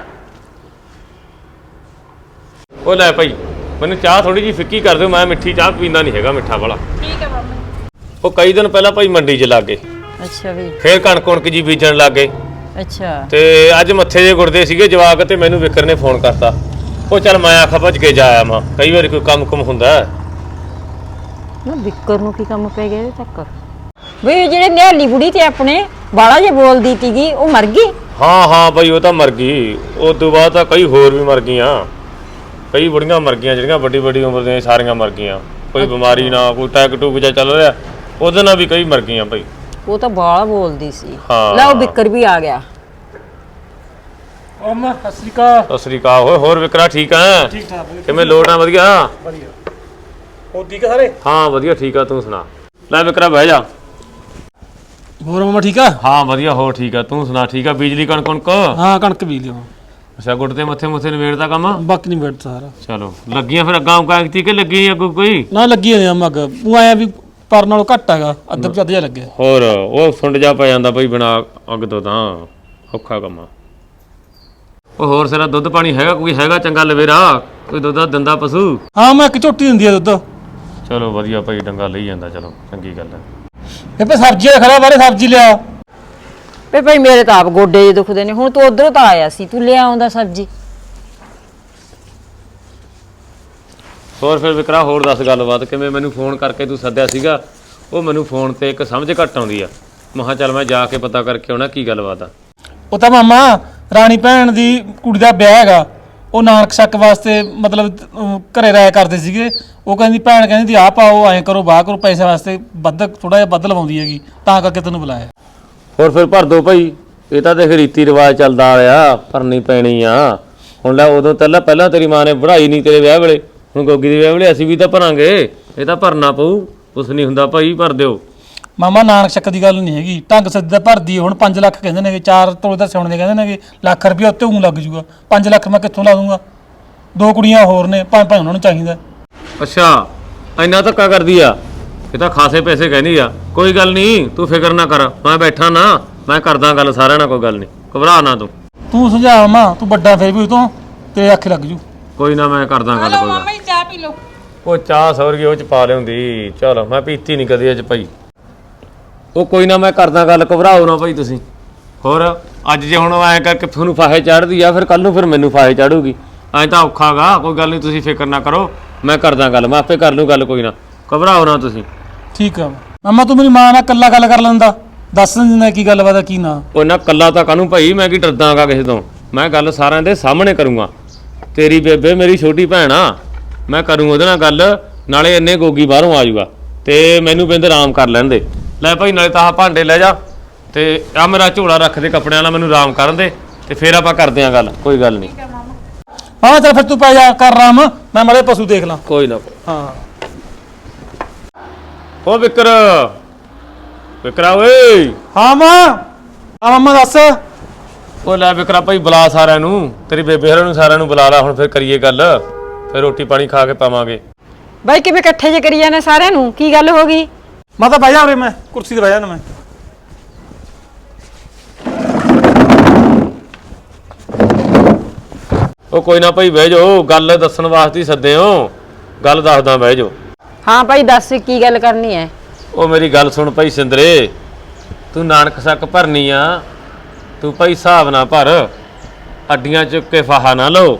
[SPEAKER 7] ਉਹ ਲੈ ਭਾਈ ਮੈਨੂੰ ਚਾਹ ਥੋੜੀ ਜਿਹੀ ਫਿੱਕੀ ਕਰ ਦਿਓ, ਮੈਂ ਮਿੱਠੀ ਚਾਹ ਪੀਂਦਾ ਨਹੀਂ ਹੈਗਾ, ਮਿੱਠਾ ਵਾਲਾ।
[SPEAKER 3] ਠੀਕ ਹੈ ਮਾਮਾ ਜੀ।
[SPEAKER 7] ਉਹ ਕਈ ਦਿਨ ਪਹਿਲਾਂ ਭਾਈ ਮੰਡੀ 'ਚ ਲੱਗ ਗਏ,
[SPEAKER 2] ਅੱਛਾ ਵੀ।
[SPEAKER 7] ਫੇਰ ਕਣਕ ਕੁਣਕ ਜੀ ਬੀਜਣ ਲੱਗ ਗਏ,
[SPEAKER 2] ਅੱਛਾ
[SPEAKER 7] ਤੇ ਅੱਜ ਮੱਥੇ ਜੇ ਗੁਰਦੇ ਸੀਗੇ ਜਵਾਕ, ਤੇ ਮੈਨੂੰ ਵਿਕਰ ਨੇ ਫੋਨ ਕਰਤਾ। ਉਹ ਚੱਲ ਮੈਂ ਆਖਾ ਭੱਜ ਕੇ ਜਾ ਆਇਆ ਮਾਂ, ਕਈ ਵਾਰੀ ਕੋਈ ਕੰਮ ਕੁਮ ਹੁੰਦਾ ਹੈ।
[SPEAKER 2] ਨਾ ਵਿਕਰ ਨੂੰ ਕੀ ਕੰਮ ਪੈ ਗਿਆ ਇਹਦੇ ਤੱਕ? ਵੀ ਜਿਹੜੇ ਨਿਹਾਲੀ ਬੁੜੀ ਤੇ ਆਪਣੇ ਬਾਲਾ ਜੇ ਬੋਲਦੀ ਤੀਗੀ, ਉਹ ਮਰ ਗਈ?
[SPEAKER 7] ਹਾਂ ਹਾਂ ਭਾਈ ਉਹ ਤਾਂ ਮਰ ਗਈ। ਉਸ ਤੋਂ ਬਾਅਦ ਤਾਂ ਕਈ ਹੋਰ ਵੀ ਮਰ ਗਈਆਂ, ਕਈ ਬੁੜੀਆਂ ਮਰ ਗਈਆਂ ਜਿਹੜੀਆਂ ਵੱਡੀ ਵੱਡੀ ਉਮਰ ਦੀਆਂ, ਸਾਰੀਆਂ ਮਰ ਗਈਆਂ। ਕੋਈ ਬਿਮਾਰੀ ਨਾ, ਕੋਈ ਟੈਕ ਟੂਕ ਜਿਹਾ ਚੱਲ ਰਿਹਾ, ਉਹਦੇ ਨਾਲ ਵੀ ਕਈ ਮਰ ਗਈਆਂ ਭਾਈ।
[SPEAKER 2] ਉਹ ਤਾਂ ਬਾਲਾ ਬੋਲਦੀ ਸੀ।
[SPEAKER 7] ਹਾਂ।
[SPEAKER 2] ਲੈ ਉਹ ਵਿਕਰ ਵੀ ਆ ਗਿਆ।
[SPEAKER 4] ਉਹ ਮਾਂ ਸਤਿ ਸ਼੍ਰੀ ਅਕਾਲ।
[SPEAKER 7] ਸਤਿ ਸ੍ਰੀ ਅਕਾਲ। ਹੋਏ ਹੋਰ ਵਿਕਰਾ ਠੀਕ ਆ?
[SPEAKER 4] ਠੀਕ ਠਾਕ
[SPEAKER 7] ਕਿਵੇਂ ਲੋਟ ਆ? ਵਧੀਆ
[SPEAKER 4] ਵਧੀਆ। ਹੋਰ ਠੀਕ ਆ ਸਾਰੇ?
[SPEAKER 7] ਹਾਂ ਵਧੀਆ ਠੀਕ ਆ, ਤੂੰ ਸੁਣਾ। ਲੈ ਵਿਕਰਾ ਬਹਿ ਜਾ।
[SPEAKER 4] ਹੋਰ ਮਾਮਾ ਠੀਕ ਆ?
[SPEAKER 7] ਹਾਂ ਵਧੀਆ, ਹੋਰ ਠੀਕ ਆ, ਤੂੰ ਸੁਣਾ? ਠੀਕ ਆ? ਬਿਜਲੀ ਕਣਕ ਕਣਕ?
[SPEAKER 4] ਹਾਂ ਕਣਕ ਬੀਜ ਲਿਓ।
[SPEAKER 7] ਅੱਛਾ ਗੁੱਟ ਤੇ ਮੱਥੇ ਮੁੱਥੇ ਨਵੇੜਦਾ ਕੰਮ।
[SPEAKER 4] ਬਾਕੀ ਨਹੀਂ ਬੈਠ ਸਾਰਾ।
[SPEAKER 7] ਚਲੋ ਲੱਗੀਆਂ ਫਿਰ ਅੱਗਾਂ ਕਾਂਗਤੀ ਕਿ ਲੱਗੀ ਅੱਗੋਂ ਕੋਈ
[SPEAKER 4] ਨਾ ਲੱਗੀ ਹੋਈ ਆ ਮੱਗ ਉਹ ਆਇਆ ਵੀ ਪਰ ਨਾਲੋਂ ਘੱਟ ਹੈਗਾ ਅੱਧਾ ਪਚੱਧ ਜਿਹਾ ਲੱਗਿਆ।
[SPEAKER 7] ਹੋਰ ਉਹ ਸੁੰਡ ਜਾ ਪੈ ਜਾਂਦਾ ਬਈ ਬਿਨਾ ਅੱਗ ਤੋਂ ਤਾਂ ਔਖਾ ਕੰਮ ਆ। ਉਹ ਹੋਰ ਸਾਰਾ ਦੁੱਧ ਪਾਣੀ ਹੈਗਾ ਕੋਈ ਹੈਗਾ ਚੰਗਾ ਲਵੇਰਾ ਕੋਈ ਦੁੱਧ ਦਿੰਦਾ ਪਸ਼ੂ?
[SPEAKER 4] ਹਾਂ ਮੈਂ ਇੱਕ ਝੋਟੀ ਦਿੰਦੀ ਆ ਦੁੱਧ।
[SPEAKER 7] ਚਲੋ ਵਧੀਆ ਭਾਈ ਡੰਗਾ ਲਈ ਜਾਂਦਾ ਚਲੋ ਚੰਗੀ ਗੱਲ ਹੈ।
[SPEAKER 4] ਇਹ ਪੇ ਸਬਜ਼ੀ ਦਾ ਖੜਾ ਬਾਰੇ ਸਬਜ਼ੀ ਲਿਆ।
[SPEAKER 2] ਵੇ ਭਾਈ ਮੇਰੇ ਤਾਂ ਆਪ ਗੋਡੇ ਜਿਹੇ ਦੁਖਦੇ ਨੇ ਹੁਣ ਤੂੰ ਉਧਰੋਂ ਤਾਂ ਆਇਆ ਸੀ ਤੂੰ ਲਿਆ ਆਉਂਦਾ ਸਬਜ਼ੀ।
[SPEAKER 7] ਹੋਰ ਫਿਰ ਵਿਕਰਾ ਹੋਰ ਦੱਸ ਗੱਲਬਾਤ ਕਿਵੇਂ ਮੈਨੂੰ ਫੋਨ ਕਰਕੇ ਤੂੰ ਸੱਦਿਆ ਸੀਗਾ? ਉਹ ਮੈਨੂੰ ਫੋਨ ਤੇ ਇੱਕ ਸਮਝ ਘੱਟ ਆਉਂਦੀ ਆ ਮੈਂ ਕਿਹਾ ਚੱਲ ਮੈਂ ਜਾ ਕੇ ਪਤਾ ਕਰਕੇ ਆਉਣਾ ਕੀ ਗੱਲਬਾਤ ਆ।
[SPEAKER 4] ਉਹ ਤਾਂ ਮਾਮਾ ਰਾਣੀ ਭੈਣ ਦੀ ਕੁੜੀ ਦਾ ਵਿਆਹ ਹੈਗਾ ਉਹ ਨਾਨਕ ਸ਼ੱਕ ਵਾਸਤੇ ਮਤਲਬ ਅਹ, ਘਰੇ ਰਾਇ ਕਰਦੇ ਸੀਗੇ। ਉਹ ਕਹਿੰਦੀ ਭੈਣ ਕਹਿੰਦੀ ਦੀ ਆਹ ਪਾਓ ਐਂ ਕਰੋ ਬਾਹ ਕਰੋ ਪੈਸੇ ਵਾਸਤੇ ਵੱਧ ਥੋੜਾ ਜਿਹਾ ਵੱਧ ਲਵਾਉਂਦੀ ਹੈਗੀ ਤਾਂ ਕਰਕੇ ਤੈਨੂੰ ਬੁਲਾਇਆ।
[SPEAKER 7] ਹੋਰ ਫਿਰ ਭਰ ਦੋ ਭਾਈ ਇਹ ਤਾਂ ਦੇਖ ਰੀਤੀ ਰਿਵਾਜ ਚੱਲਦਾ ਆਇਆ ਭਰਨੀ ਪੈਣੀ ਆ। ਹੁਣ ਲੈ ਉਦੋਂ ਪਹਿਲਾਂ ਪਹਿਲਾਂ ਤੇਰੀ ਮਾਂ ਨੇ ਪੜ੍ਹਾਈ ਨਹੀਂ ਤੇਰੇ ਵਿਆਹ ਵੇਲੇ ਹੁਣ ਗੋਗੀ ਦੇ ਵਿਆਹ ਵੇਲੇ ਅਸੀਂ ਵੀ ਤਾਂ ਭਰਾਂਗੇ ਇਹ ਤਾਂ ਭਰਨਾ ਪਊ ਕੁਛ ਨਹੀਂ ਹੁੰਦਾ ਭਾਈ ਭਰ ਦਿਓ।
[SPEAKER 4] ਮਾਮਾ ਨਾਨਕ ਸ਼ੱਕ ਦੀ ਗੱਲ ਨਹੀਂ ਹੈਗੀ ਢੰਗ ਸਿੱਧਾ ਭਰਦੀ ਹੁਣ ਪੰਜ ਲੱਖ ਕਹਿੰਦੇ ਨੇਗੇ ਚਾਰ ਤੋਲੇ ਦਾ ਸਿਉਣ ਦੇ ਕਹਿੰਦੇ ਨੇਗੇ ਲੱਖ ਰੁਪਇਆ ਉੱਤੇ ਉਂ ਲੱਗ ਜੂਗਾ ਪੰਜ ਲੱਖ ਮੈਂ ਕਿੱਥੋਂ ਲਾ ਦੂੰਗਾ ਦੋ ਕੁੜੀਆਂ ਹੋਰ ਨੇ ਪੰਜ ਪੰਜ ਉਹਨਾਂ ਨੂੰ ਚਾਹੀਦਾ।
[SPEAKER 7] ਅੱਛਾ ਇੰਨਾ ਧੱਕਾ ਕਰਦੀ ਆ ਇਹ ਤਾਂ ਖਾਸੇ ਪੈਸੇ ਕਹਿੰਦੀ ਆ। ਕੋਈ ਗੱਲ ਨਹੀਂ ਤੂੰ ਫਿਕਰ ਨਾ ਕਰ ਮੈਂ ਬੈਠਾ ਨਾ ਮੈਂ ਕਰਦਾ ਗੱਲ ਸਾਰਿਆਂ ਨਾਲ ਕੋਈ ਗੱਲ ਨਹੀਂ ਘਬਰਾ ਨਾ ਤੂੰ।
[SPEAKER 4] ਤੂੰ ਸੁਝਾ ਮਾਂ ਤੂੰ ਵੱਡਾ ਫਿਰ ਵੀ ਉਤੋਂ ਤੇ ਅੱਖ ਲੱਗ ਜੂ।
[SPEAKER 7] ਕੋਈ ਨਾ ਮੈਂ ਕਰਦਾ ਗੱਲ ਕੋਈ
[SPEAKER 3] ਮਾਮਾ ਜੀ ਚਾਹ ਪੀ ਲਓ।
[SPEAKER 7] ਉਹ ਚਾਹ ਸੌਰਗੀ ਉਹ ਚ ਪਾ ਲਿਆਉਂਦੀ ਚਲ ਮੈਂ ਪੀਤੀ ਨਹੀਂ ਕਦੇ ਅੱਜ ਭਾਈ। ਉਹ ਕੋਈ ਨਾ ਮੈਂ ਕਰਦਾ ਗੱਲ ਘਬਰਾਓ ਨਾ ਭਾਈ ਤੁਸੀਂ। ਹੋਰ ਅੱਜ ਜੇ ਹੁਣ ਐਂ ਕਰਕੇ ਤੁਹਾਨੂੰ ਫਾਹੇ ਚੜ੍ਹਦੀ ਆ ਫਿਰ ਕੱਲ ਨੂੰ ਫਿਰ ਮੈਨੂੰ ਫਾਹੇ ਚੜੂਗੀ ਐਂ ਤਾਂ ਔਖਾਗਾ। ਕੋਈ ਗੱਲ ਨਹੀਂ ਤੁਸੀਂ ਫਿਕਰ ਨਾ ਕਰੋ ਮੈਂ ਕਰਦਾ ਗੱਲ ਮੈਂ ਆਪੇ ਕਰ ਲੂੰ ਗੱਲ ਕੋਈ ਨਾ ਘਬਰਾਓ ਨਾ ਤੁਸੀਂ।
[SPEAKER 4] ਠੀਕ ਆ ਮਾਮਾ ਤੂੰ ਮੇਰੀ ਮਾਂ ਨਾਲ ਇਕੱਲਾ ਗੱਲ ਕਰ ਲੈਂਦਾ ਦੱਸ ਦਿੰਦਾ ਕੀ ਗੱਲਬਾਤ ਆ ਕੀ ਨਾ।
[SPEAKER 7] ਉਹ ਨਾ ਕੱਲਾ ਤਾਂ ਕਾਹਨੂੰ ਭਾਈ ਮੈਂ ਕੀ ਡਰਦਾਗਾ ਕਿਸੇ ਤੋਂ ਮੈਂ ਗੱਲ ਸਾਰਿਆਂ ਦੇ ਸਾਹਮਣੇ ਕਰੂੰਗਾ। ਤੇਰੀ ਬੇਬੇ ਮੇਰੀ ਛੋਟੀ ਭੈਣ ਆ ਮੈਂ ਕਰੂੰ ਉਹਦੇ ਨਾਲ ਗੱਲ ਨਾਲੇ ਇੰਨੇ ਗੋਗੀ ਬਾਹਰੋਂ ਆ ਜਾਊਗਾ ਤੇ ਮੈਨੂੰ ਬਿੰਦ ਆਰਾਮ ਕਰ ਲੈਣ ਦੇ। ਲੈ ਭਾਈ ਨਾਲੇ ਤਾਂ ਆਹ ਭਾਂਡੇ ਲੈ ਜਾ ਤੇ ਆ ਮੇਰਾ ਝੋਲਾ ਰੱਖ ਦੇ ਕੱਪੜਿਆਂ ਨਾਲ ਮੈਨੂੰ ਆਰਾਮ ਕਰਨ ਦੇ ਤੇ ਫਿਰ ਆਪਾਂ ਕਰਦੇ ਆਂ ਗੱਲ ਕੋਈ ਗੱਲ ਨਹੀਂ।
[SPEAKER 4] ਹਾਂ ਚੱਲ ਫਿਰ ਤੂੰ ਪੈ ਜਾ ਕਰ ਆਰਾਮ ਮੈਂ ਮਾੜੇ ਪਸ਼ੂ ਦੇਖ ਲਾਂ।
[SPEAKER 7] ਕੋਈ ਨਾ
[SPEAKER 4] ਹਾਂ
[SPEAKER 7] ਓ ਵਿਕਰ ਵਿਕਰਾ ਓਏ।
[SPEAKER 4] ਹਾਂ ਮਾਂ ਆ ਮਾਮਾ ਦੱਸ।
[SPEAKER 7] ਉਹ ਲੈ ਵਿਕਰਾ ਭਾਈ ਬੁਲਾ ਸਾਰਿਆਂ ਨੂੰ ਤੇਰੀ ਬੇਬੇ ਹਰਾਂ ਨੂੰ ਸਾਰਿਆਂ ਨੂੰ ਬੁਲਾ ਲਾ ਹੁਣ ਫਿਰ ਕਰੀਏ ਗੱਲ ਫਿਰ ਰੋਟੀ ਪਾਣੀ ਖਾ ਕੇ ਪਾਵਾਂਗੇ।
[SPEAKER 2] ਬਾਈ ਕਿਵੇਂ ਇਕੱਠੇ ਜੇ ਕਰੀ ਜਾਂਦੇ ਸਾਰਿਆਂ ਨੂੰ ਕੀ ਗੱਲ ਹੋ ਗਈ?
[SPEAKER 4] ਮੈਂ ਤਾਂ ਬਹਿ ਜਾ ਉਰੇ ਮੈਂ ਕੁਰਸੀ ਤੇ ਬਹਿ ਜਾਣਾ ਮੈਂ।
[SPEAKER 7] ਉਹ ਕੋਈ ਨਾ ਭਾਈ ਬਹਿ ਜਾਓ ਗੱਲ ਦੱਸਣ ਵਾਸਤੇ ਹੀ ਸੱਦੇ ਹੋ ਗੱਲ ਦੱਸਦਾ ਬਹਿ ਜਾਓ।
[SPEAKER 2] ਹਾਂ ਭਾਈ ਦੱਸ ਕੀ ਗੱਲ ਕਰਨੀ ਹੈ?
[SPEAKER 7] ਉਹ ਮੇਰੀ ਗੱਲ ਸੁਣ ਭਾਈ ਸਿੰਦਰੇ ਤੂੰ ਨਾਨਕ ਸ਼ੱਕ ਭਰਨੀ ਆ ਤੂੰ ਭਾਈ ਹਿਸਾਬ ਨਾ ਭਰ ਅੱਡੀਆਂ ਚੁੱਕ ਕੇ ਫਾਹਾ ਨਾ ਲਓ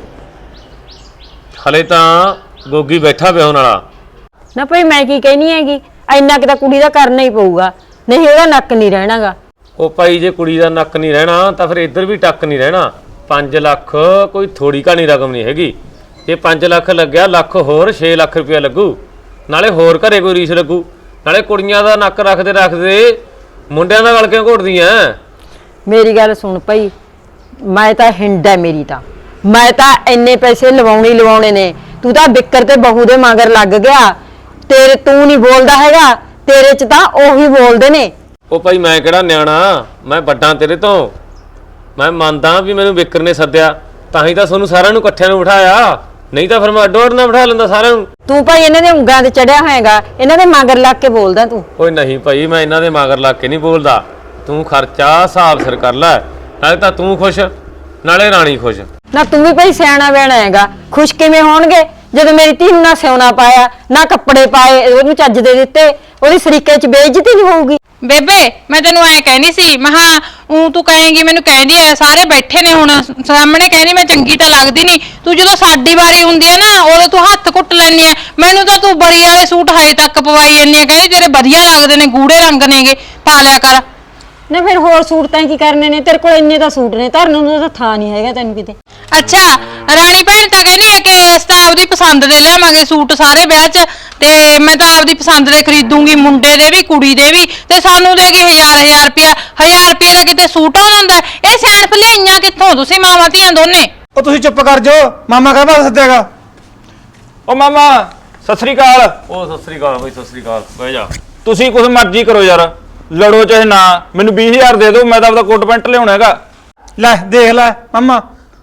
[SPEAKER 7] ਹਲੇ ਤਾਂ ਗੋਗੀ ਬੈਠਾ ਵਿਆਹਣ ਵਾਲਾ।
[SPEAKER 2] ਨਾ ਭਾਈ ਮੈਂ ਕੀ ਕਹਿਨੀ ਹੈਗੀ ਇੰਨਾ ਕਿ ਤਾਂ ਕੁੜੀ ਦਾ ਕਰਨਾ ਹੀ ਪਊਗਾ ਨਹੀਂ ਉਹਦਾ ਨੱਕ ਨਹੀਂ ਰਹਿਣਾਗਾ।
[SPEAKER 7] ਉਹ ਭਾਈ ਜੇ ਕੁੜੀ ਦਾ ਨੱਕ ਨਹੀਂ ਰਹਿਣਾ ਤਾਂ ਫਿਰ ਇੱਧਰ ਵੀ ਟੱਕ ਨਹੀਂ ਰਹਿਣਾ। ਪੰਜ ਲੱਖ ਕੋਈ ਥੋੜੀ ਘਾਣੀ ਰਕਮ ਨਹੀਂ ਹੈਗੀ ਜੇ ਪੰਜ ਲੱਖ ਲੱਗਿਆ ਲੱਖ ਹੋਰ ਛੇ ਲੱਖ ਰੁਪਇਆ ਲੱਗੂ ਨਾਲੇ ਹੋਰ ਘਰੇ ਕੋਈ ਰੀਸ ਲੱਗੂ ਨਾਲੇ ਕੁੜੀਆਂ ਦਾ ਨੱਕ ਰੱਖਦੇ ਰੱਖਦੇ ਮੁੰਡਿਆਂ ਦਾ ਗਲ ਕਿਉਂ ਘੋਟਦੀਆਂ?
[SPEAKER 2] ਮੇਰੀ ਗੱਲ ਸੁਣ ਭਾਈ ਮੈਂ ਤਾਂ ਹਿੰਡ ਹੈ ਮੇਰੀ ਤਾਂ ਮੈਂ ਤਾਂ ਇੰਨੇ ਪੈਸੇ ਲਵਾਉਣੇ ਹੀ ਲਵਾਉਣੇ ਨੇ। ਤੂੰ ਤਾਂ ਬਿੱਕਰ ਤੇ ਬਹੂ ਦੇ ਮਗਰ ਲੱਗ ਗਿਆ ਤੇਰੇ ਤੂੰ ਨਹੀਂ ਬੋਲਦਾ ਹੈਗਾ ਤੇਰੇ ਚ ਤਾਂ ਉਹੀ ਬੋਲਦੇ ਨੇ।
[SPEAKER 7] ਉਹ ਭਾਈ ਮੈਂ ਕਿਹੜਾ ਨਿਆਣਾ ਮੈਂ ਵੱਡਾ ਤੇਰੇ ਤੋਂ ਮੈਂ ਮੰਨਦਾ ਵੀ ਮੈਨੂੰ ਵਿਕਰ ਨੇ ਸੱਦਿਆ ਤਾਂ ਹੀ ਤਾਂ ਤੁਹਾਨੂੰ ਸਾਰਿਆਂ ਨੂੰ ਇਕੱਠਿਆਂ ਨੂੰ ਬਿਠਾਇਆ ਨਹੀਂ ਤਾਂ ਫਿਰ ਮੈਂ ਅੱਡੋ ਅੱਡ ਨਾ ਬਿਠਾ ਲੈਂਦਾ ਸਾਰਿਆਂ ਨੂੰ।
[SPEAKER 2] ਤੂੰ ਭਾਈ ਇਹਨਾਂ ਦੇ ਉਂਗਲਾਂ ਤੇ ਚੜਿਆ ਹੋਏਗਾ ਇਹਨਾਂ ਦੇ ਮਗਰ ਲੱਗ ਕੇ ਬੋਲਦਾ ਤੂੰ।
[SPEAKER 7] ਓਏ ਨਹੀਂ ਭਾਈ ਮੈਂ ਇਹਨਾਂ ਦੇ ਮਗਰ ਲੱਗ ਕੇ ਨਹੀਂ ਬੋਲਦਾ ਤੂੰ ਖਰਚਾ ਹਿਸਾਬ ਸਿਰ ਕਰ ਲੈ ਨਾਲੇ ਤਾਂ ਤੂੰ ਖੁਸ਼ ਨਾਲੇ ਰਾਣੀ ਖੁਸ਼।
[SPEAKER 2] ਨਾ ਤੂੰ ਵੀ ਭਾਈ ਸਿਆਣਾ ਬਹਿਣਾ ਹੈਗਾ ਖੁਸ਼ ਕਿਵੇਂ ਹੋਣਗੇ ਜਦੋਂ ਮੇਰੀ ਧੀ ਨੂੰ ਨਾ ਸਿਉਣਾ ਪਾਇਆ ਨਾ ਕੱਪੜੇ ਪਾਏ ਉਹਨੂੰ ਚੱਜ ਦੇ ਦਿੱਤੇ ਉਹਦੀ ਸਰੀਕੇ ਚ ਬੇਇੱਜ਼ਤੀ ਨਹੀਂ ਹੋਊਗੀ।
[SPEAKER 3] ਬੇਬੇ ਮੈਂ ਤੈਨੂੰ ਐ ਕਹਿੰਦੀ ਸੀ ਮਹਾ ਉਹ ਤੂੰ ਕਹੇਂਗੀ ਮੈਨੂੰ ਕਹਿੰਦੀ ਐ ਸਾਰੇ ਬੈਠੇ ਨੇ ਹੁਣ ਸਾਹਮਣੇ ਕਹਿੰਦੀ ਮੈਂ ਚੰਗੀ ਤਾਂ ਲੱਗਦੀ ਨਹੀਂ ਤੂੰ ਜਦੋਂ ਸਾਡੀ ਵਾਰੀ ਹੁੰਦੀ ਐ ਨਾ ਉਦੋਂ ਤੂੰ ਹੱਥ ਕੁੱਟ ਲੈਣੀ ਐ ਮੈਨੂੰ ਤਾਂ ਤੂੰ ਬਰੀ ਵਾਲੇ ਸੂਟ ਹਜੇ ਤੱਕ ਪਵਾਈ ਜਾਂਦੀ ਐ ਕਹਿੰਦੀ ਤੇਰੇ ਵਧੀਆ ਲੱਗਦੇ ਨੇ ਗੂੜੇ ਰੰਗ ਨੇਗੇ ਪਾ ਲਿਆ ਕਰ।
[SPEAKER 2] ਨਾ ਫਿਰ ਹੋਰ ਸੂਟ ਤਾਂ ਕੀ ਕਰਨੇ ਨੇ ਤੇਰੇ ਕੋਲ ਇੰਨੇ ਤਾਂ ਸੂਟ ਨੇ ਧਰਨ ਨੂੰ ਤਾਂ ਥਾਂ ਨਹੀਂ ਹੈਗਾ ਤੈਨੂੰ ਕਿਤੇ।
[SPEAKER 3] ਅੱਛਾ ਰਾਣੀ ਭੈਣ ਤਾਂ ਕਹਿੰਦੀ ਐ ਕਿ ਅਸੀਂ ਤਾਂ ਆਪਦੀ ਪਸੰਦ ਦੇ ਲਿਆਵਾਂਗੇ ਸੂਟ ਸਾਰੇ ਵਿਆਹ 'ਚ ਤੇ ਮੈਂ ਤਾਂ ਆਪਦੀ ਪਸੰਦ ਦੇ ਖਰੀਦੂੰਗੀ ਮੁੰਡੇ ਦੇ ਵੀ ਕੁੜੀ ਦੇ ਵੀ ਤੇ ਸਾਨੂੰ ਦੇ ਕੇ ਹਜ਼ਾਰ ਹਜ਼ਾਰ ਰੁਪਿਆ ਹਜ਼ਾਰ ਰੁਪਏ ਦਾ ਕਿਤੇ ਸੂਟ ਆਉਂਦਾ ਹੁੰਦਾ ਇਹ ਸਿਆਣਪ ਲਿਆਈਆਂ ਕਿੱਥੋਂ ਤੁਸੀਂ ਮਾਵਾਂ ਧੀਆਂ ਦੋਨੇ?
[SPEAKER 4] ਉਹ ਤੁਸੀਂ ਚੁੱਪ ਕਰ ਜਾਓ ਮਾਮਾ ਕਹਿੰਦਾ ਸੱਦਿਆਗਾ।
[SPEAKER 5] ਉਹ ਮਾਮਾ ਸਤਿ ਸ੍ਰੀ ਅਕਾਲ।
[SPEAKER 7] ਉਹ ਸਤਿ ਸ੍ਰੀ ਅਕਾਲ ਬਈ ਸਤਿ ਸ੍ਰੀ ਅਕਾਲ ਬਹਿ ਜਾ।
[SPEAKER 5] ਤੁਸੀਂ ਕੁਝ ਮਰਜ਼ੀ ਕਰੋ ਯਾਰ ਲੜੋ ਚਾਹੇ ਨਾ ਮੈਨੂੰ ਵੀਹ ਹਜ਼ਾਰ ਦੇ ਦਿਓ ਮੈਂ ਤਾਂ ਆਪਦਾ ਕੋਟ ਪੈਂਟ ਲਿਆਉਣਾ ਹੈਗਾ।
[SPEAKER 4] ਲੈ ਦੇਖ ਲੈ ਮਾਮਾ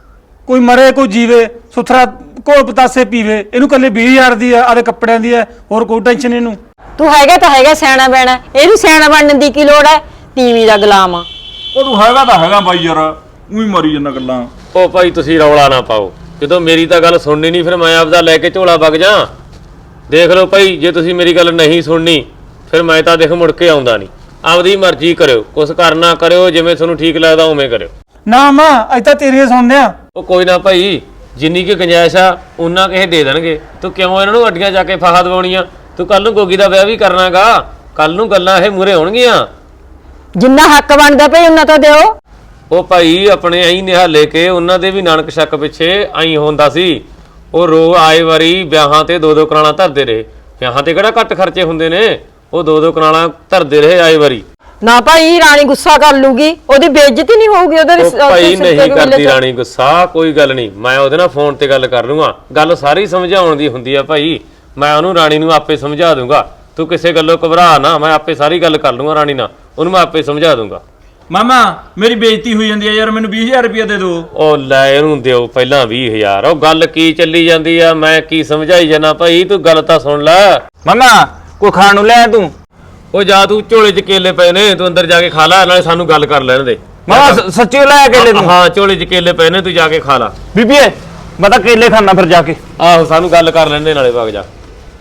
[SPEAKER 4] ਕੋਈ ਮਰੇ ਕੋਈ ਜੀਵੇ, ਸੁਥਰਾ ਘੋਲ ਪਤਾਸੇ ਪੀਵੇ। ਇਹਨੂੰ ਕੱਲੇ ਵੀਹ ਹਜ਼ਾਰ ਦੀ ਆ, ਆਦੇ ਕੱਪੜਿਆਂ ਦੀ ਆ, ਹੋਰ ਕੋਈ ਟੈਨਸ਼ਨ ਇਹਨੂੰ।
[SPEAKER 2] ਤੂੰ ਹੈਗਾ ਤਾਂ ਹੈਗਾ ਸਿਆਣਾ ਬੈਣਾ, ਇਹਨੂੰ ਸਿਆਣਾ ਬਣਨ ਦੀ ਕੀ ਲੋੜ ਹੈ? ਤੀਵੀਂ ਦਾ ਗੁਲਾਮ ਆ।
[SPEAKER 5] ਉਹ ਤੂੰ ਹੈਗਾ ਤਾਂ ਹੈਗਾ ਬਾਈ ਯਾਰ, ਉਹੀ ਮਰੀ ਜਾਂਦਾ ਗੱਲਾਂ।
[SPEAKER 7] ਉਹ ਭਾਈ ਤੁਸੀਂ ਰੌਲਾ ਨਾ ਪਾਓ, ਜਦੋਂ ਮੇਰੀ ਤਾਂ ਗੱਲ ਸੁਣਨੀ ਨਹੀਂ ਫਿਰ ਮੈਂ ਆਪਦਾ ਲੈ ਕੇ ਝੋਲਾ ਵਗ ਜਾ। ਦੇਖ ਲਓ ਭਾਈ, ਜੇ ਤੁਸੀਂ ਮੇਰੀ ਗੱਲ ਨਹੀਂ ਸੁਣਨੀ ਫਿਰ ਮੈਂ ਤਾਂ ਦੇਖ ਮੁੜ ਕੇ ਆਉਂਦਾ ਨਹੀਂ। ਆਪਦੀ ਮਰਜ਼ੀ ਕਰਿਓ, ਕੁਛ ਕਰਨਾ ਕਰਿਓ, ਜਿਵੇਂ ਤੁਹਾਨੂੰ ਠੀਕ ਲੱਗਦਾ ਉਵੇਂ ਕਰਿਓ।
[SPEAKER 4] ਨਾ ਮਾਂ ਅੱਜ ਤਾਂ ਤੇਰੀਆਂ ਸੁਣਦੇ ਆ।
[SPEAKER 7] ਉਹ ਕੋਈ ਨਾ ਭਾਈ, ਜਿੰਨੀ ਕੀ ਗੁੰਜਾਇਸ਼ ਆ ਉਹਨਾਂ ਕਿਸੇ ਦੇ ਦੇਣਗੇ। ਤੂੰ ਕਿਉਂ ਇਹਨਾਂ ਨੂੰ ਅੱਡੀਆਂ ਜਾ ਕੇ ਫਾਹਾ ਦਵਾਉਣੀਆਂ? ਤੂੰ ਕੱਲ ਨੂੰ ਗੋਗੀ ਦਾ ਵਿਆਹ ਵੀ ਕਰਨਾਗਾ, ਕੱਲ ਨੂੰ ਗੱਲਾਂ ਇਹ ਮੂਰੇ ਹੋਣਗੀਆਂ।
[SPEAKER 2] ਜਿੰਨਾ ਹੱਕ ਬਣਦਾ ਭਈ ਉਹਨਾਂ ਤਾਂ ਦਿਓ।
[SPEAKER 7] ਉਹ ਭਾਈ ਆਪਣੇ ਐਂ ਨਿਹਾਲੇ ਕੇ ਉਹਨਾਂ ਦੇ ਵੀ ਨਾਨਕ ਸ਼ੱਕ ਪਿੱਛੇ ਐਂ ਹੁੰਦਾ ਸੀ। ਉਹ ਰੋ ਆਏ ਵਾਰੀ ਵਿਆਹਾਂ ਤੇ ਦੋ ਦੋ ਕਰਾਣਾ ਧਰਦੇ ਰਹੇ। ਵਿਆਹਾਂ ਤੇ ਕਿਹੜਾ ਘੱਟ ਖਰਚੇ ਹੁੰਦੇ ਨੇ, ਉਹ ਦੋ ਦੋ ਕਰਾਣਾ ਧਰਦੇ ਰਹੇ ਆਏ ਵਾਰੀ।
[SPEAKER 2] ਨਾ ਭਾਈ ਰਾਣੀ ਗੁੱਸਾ ਕਰ ਲੂਗੀ, ਉਹਦੀ ਬੇਇੱਜ਼ਤੀ ਨਹੀਂ ਹੋਊਗੀ ਉਹਦੇ
[SPEAKER 7] ਉਹ ਭਾਈ ਨਹੀਂ ਕਰਦੀ ਰਾਣੀ ਗੁੱਸਾ, ਕੋਈ ਗੱਲ ਨਹੀਂ, ਮੈਂ ਉਹਦੇ ਨਾਲ ਫੋਨ ਤੇ ਗੱਲ ਕਰ ਲੂੰਗਾ। ਗੱਲ ਸਾਰੀ ਸਮਝਾਉਣ ਦੀ ਹੁੰਦੀ ਆ ਭਾਈ, ਮੈਂ ਉਹਨੂੰ ਰਾਣੀ ਨੂੰ ਆਪੇ ਸਮਝਾ ਦੂੰਗਾ। ਤੂੰ ਕਿਸੇ ਗੱਲੋਂ ਘਬਰਾ ਨਾ, ਮੈਂ ਆਪੇ ਸਾਰੀ ਗੱਲ ਕਰ ਲੂੰਗਾ ਰਾਣੀ ਨਾਲ, ਉਹਨੂੰ ਮੈਂ ਆਪੇ ਸਮਝਾ ਦੂੰਗਾ।
[SPEAKER 5] ਮਾਮਾ ਮੇਰੀ ਬੇਇੱਜ਼ਤੀ ਹੋਈ ਜਾਂਦੀ ਹੈ ਯਾਰ, ਮੈਨੂੰ ਵੀਹ ਹਜ਼ਾਰ ਰੁਪਇਆ ਦੇ ਦਿਓ।
[SPEAKER 7] ਉਹ ਲੈ ਇਹਨੂੰ ਦਿਓ ਪਹਿਲਾਂ ਵੀਹ ਹਜ਼ਾਰ। ਉਹ ਗੱਲ ਕੀ ਚੱਲੀ ਜਾਂਦੀ ਆ, ਮੈਂ ਕੀ ਸਮਝਾਈ ਜਾਣਾ ਭਾਈ, ਤੂੰ ਗੱਲ ਤਾਂ ਸੁਣ ਲੈ।
[SPEAKER 5] ਮਾਮਾ ਕੋਈ ਖਾਣ ਨੂੰ ਲੈ ਤੂੰ।
[SPEAKER 7] ਉਹ ਜਾ ਤੂੰ ਝੋਲੇ 'ਚ ਕੇਲੇ ਪਏ ਨੇ, ਤੂੰ ਅੰਦਰ ਜਾ ਕੇ ਖਾ ਲੈ, ਨਾਲੇ ਸਾਨੂੰ ਗੱਲ ਕਰ ਲੈਣ ਦੇ।
[SPEAKER 5] ਮਾਮਾ ਸੱਚੀ ਲੈ ਕੇਲੇ ਤੂੰ?
[SPEAKER 7] ਹਾਂ ਝੋਲੇ 'ਚ ਕੇਲੇ ਪਏ ਨੇ, ਤੂੰ ਜਾ ਕੇ ਖਾ ਲੈ।
[SPEAKER 5] ਬੀਬੀਏ ਮੈਂ ਤਾਂ ਕੇਲੇ ਖਾਣਾ ਫਿਰ ਜਾ ਕੇ।
[SPEAKER 7] ਆਹੋ ਸਾਨੂੰ ਗੱਲ ਕਰ ਲੈਣ ਦੇ, ਨਾਲੇ ਵਗ ਜਾ।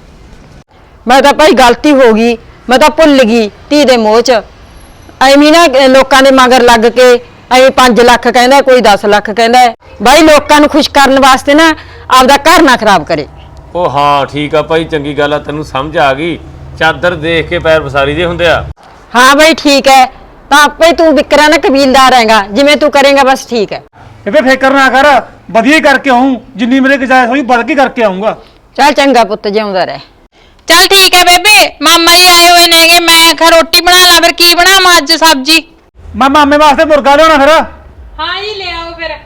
[SPEAKER 2] ਮੈਂ ਤਾਂ ਭਾਈ ਗਲਤੀ ਹੋ ਗਈ, ਮੈਂ ਤਾਂ ਭੁੱਲ ਗਈ ਧੀ ਦੇ ਮੋਹ ਚ। ਐਵੇਂ ਨਾ ਲੋਕਾਂ ਦੇ ਮਗਰ ਲੱਗ ਕੇ ਐਵੇਂ ਪੰਜ ਲੱਖ ਕਹਿੰਦਾ, ਕੋਈ ਦਸ ਲੱਖ ਕਹਿੰਦਾ। ਭਾਈ ਲੋਕਾਂ ਨੂੰ ਖੁਸ਼ ਕਰਨ ਵਾਸਤੇ ਨਾ ਆਪਦਾ ਘਰ ਨਾ ਖਰਾਬ ਕਰੇ।
[SPEAKER 7] ਉਹ ਹਾਂ ਠੀਕ ਆ ਭਾਈ, ਚੰਗੀ ਗੱਲ ਆ, ਤੈਨੂੰ ਸਮਝ ਆ ਗਈ। ਚਾਦਰ ਦੇਖ ਕੇ ਪੈਰ ਪਸਾਰੀ ਦੇ ਹੁੰਦੇ ਆ।
[SPEAKER 2] ਹਾਂ ਭਾਈ ਠੀਕ ਹੈ, ਤਾਂ ਆਪੇ ਤੂੰ ਵਿਕਰਾ ਨਾ ਕਬੀਲਦਾਰ ਹੈਗਾ, ਜਿਵੇਂ ਤੂੰ ਕਰੇਗਾ ਬਸ ਠੀਕ ਹੈ।
[SPEAKER 4] ਬੇਬੇ ਫਿਕਰ ਨਾ ਕਰ, ਵਧੀਆ ਹੀ ਕਰਕੇ ਆਉਂ, ਜਿੰਨੀ ਮੇਰੇ ਗੁੰਜਾਇਸ਼ ਹੋਈ ਵੱਧ ਕੇ ਕਰਕੇ ਆਉਂਗਾ।
[SPEAKER 2] ਚੱਲ ਚੰਗਾ ਪੁੱਤ, ਜਿਉਂਦਾ ਰਹਿ।
[SPEAKER 3] ਚੱਲ ਠੀਕ ਹੈ ਬੇਬੇ, ਮਾਮਾ ਜੀ ਆਏ ਹੋਏ ਨੇਗੇ, ਮੈਂ ਆਖਿਆ ਰੋਟੀ ਬਣਾ ਲਾਂ, ਫਿਰ ਕੀ ਬਣਾਵਾਂ ਅੱਜ ਸਬਜ਼ੀ?
[SPEAKER 4] ਮੈਂ ਮਾਮੇ ਵਾਸਤੇ ਮੁਰਗਾ ਲਿਆਉਣਾ ਫਿਰ।
[SPEAKER 3] ਹਾਂ ਜੀ ਲੈ ਆਓ ਫਿਰ।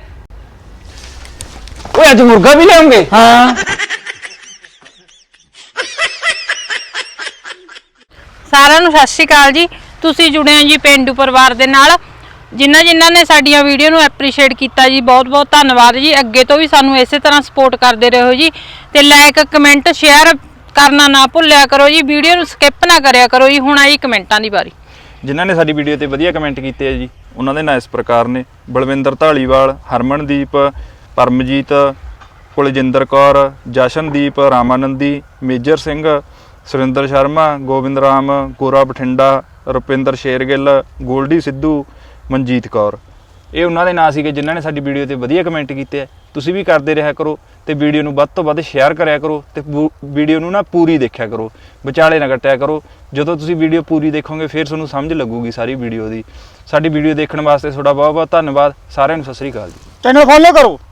[SPEAKER 5] ਓਏ ਅੱਜ ਮੁਰਗਾ ਵੀ ਲਿਆਉਂਗੇ?
[SPEAKER 4] ਹਾਂ
[SPEAKER 3] ਸਾਰਿਆਂ ਨੂੰ ਸਤਿ ਸ਼੍ਰੀ ਅਕਾਲ ਜੀ। ਤੁਸੀਂ ਜੁੜੇ ਹੋ ਜੀ ਪੇਂਡੂ ਪਰਿਵਾਰ ਦੇ ਨਾਲ। ਜਿਨ੍ਹਾਂ ਜਿਨ੍ਹਾਂ ਨੇ ਸਾਡੀਆਂ ਵੀਡੀਓ ਨੂੰ ਐਪਰੀਸ਼ੀਏਟ ਕੀਤਾ ਜੀ, ਬਹੁਤ ਬਹੁਤ ਧੰਨਵਾਦ ਜੀ। ਅੱਗੇ ਤੋਂ ਵੀ ਸਾਨੂੰ ਇਸੇ ਤਰ੍ਹਾਂ ਸਪੋਰਟ ਕਰਦੇ ਰਹੋ ਜੀ, ਤੇ ਲਾਈਕ ਕਮੈਂਟ ਸ਼ੇਅਰ ਕਰਨਾ ਨਾ ਭੁੱਲਿਆ ਕਰੋ ਜੀ। ਵੀਡੀਓ ਨੂੰ ਸਕਿਪ ਨਾ ਕਰਿਆ ਕਰੋ ਜੀ। ਹੁਣ ਆਈ ਕਮੈਂਟਾਂ ਦੀ ਵਾਰੀ।
[SPEAKER 5] ਜਿਨ੍ਹਾਂ ਨੇ ਸਾਡੀ ਵੀਡੀਓ ਤੇ ਵਧੀਆ ਕਮੈਂਟ ਕੀਤੇ ਆ ਜੀ, ਉਹਨਾਂ ਦੇ ਨਾਂ ਇਸ ਪ੍ਰਕਾਰ ਨੇ: ਬਲਵਿੰਦਰ ਢਾਲੀਵਾਲ, ਹਰਮਨਦੀਪ, ਪਰਮਜੀਤ, ਕੁਲਜਿੰਦਰ ਕੌਰ, ਜਸ਼ਨਦੀਪ, ਰਾਮਾਨੰਦੀ, ਮੇਜਰ ਸਿੰਘ, ਸੁਰਿੰਦਰ ਸ਼ਰਮਾ, ਗੋਬਿੰਦ ਰਾਮ, ਗੋਰਾ ਬਠਿੰਡਾ, ਰੁਪਿੰਦਰ ਸ਼ੇਰਗਿੱਲ, ਗੋਲਡੀ ਸਿੱਧੂ, ਮਨਜੀਤ ਕੌਰ। ਇਹ ਉਹਨਾਂ ਦੇ ਨਾਂ ਸੀਗੇ ਜਿਨ੍ਹਾਂ ਨੇ ਸਾਡੀ ਵੀਡੀਓ ਤੇ ਵਧੀਆ ਕਮੈਂਟ ਕੀਤੇ ਆ। ਤੁਸੀਂ ਵੀ ਕਰਦੇ ਰਿਹਾ ਕਰੋ ਤੇ ਵੀਡੀਓ ਨੂੰ ਵੱਧ ਤੋਂ ਵੱਧ ਸ਼ੇਅਰ ਕਰਿਆ ਕਰੋ ਤੇ ਵੀਡੀਓ ਨੂੰ ਨਾ ਪੂਰੀ ਦੇਖਿਆ ਕਰੋ, ਵਿਚਾਲੇ ਨਾ ਕੱਟਿਆ ਕਰੋ। ਜਦੋਂ ਤੁਸੀਂ ਵੀਡੀਓ ਪੂਰੀ ਦੇਖੋਗੇ ਫਿਰ ਤੁਹਾਨੂੰ ਸਮਝ ਲੱਗੂਗੀ ਸਾਰੀ ਵੀਡੀਓ ਦੀ। ਸਾਡੀ ਵੀਡੀਓ ਦੇਖਣ ਵਾਸਤੇ ਤੁਹਾਡਾ ਬਹੁਤ ਬਹੁਤ ਧੰਨਵਾਦ। ਸਾਰਿਆਂ ਨੂੰ ਸਤਿ ਸ੍ਰੀ ਅਕਾਲ ਜੀ।
[SPEAKER 4] ਚੈਨਲ ਫੋਲੋ ਕਰੋ।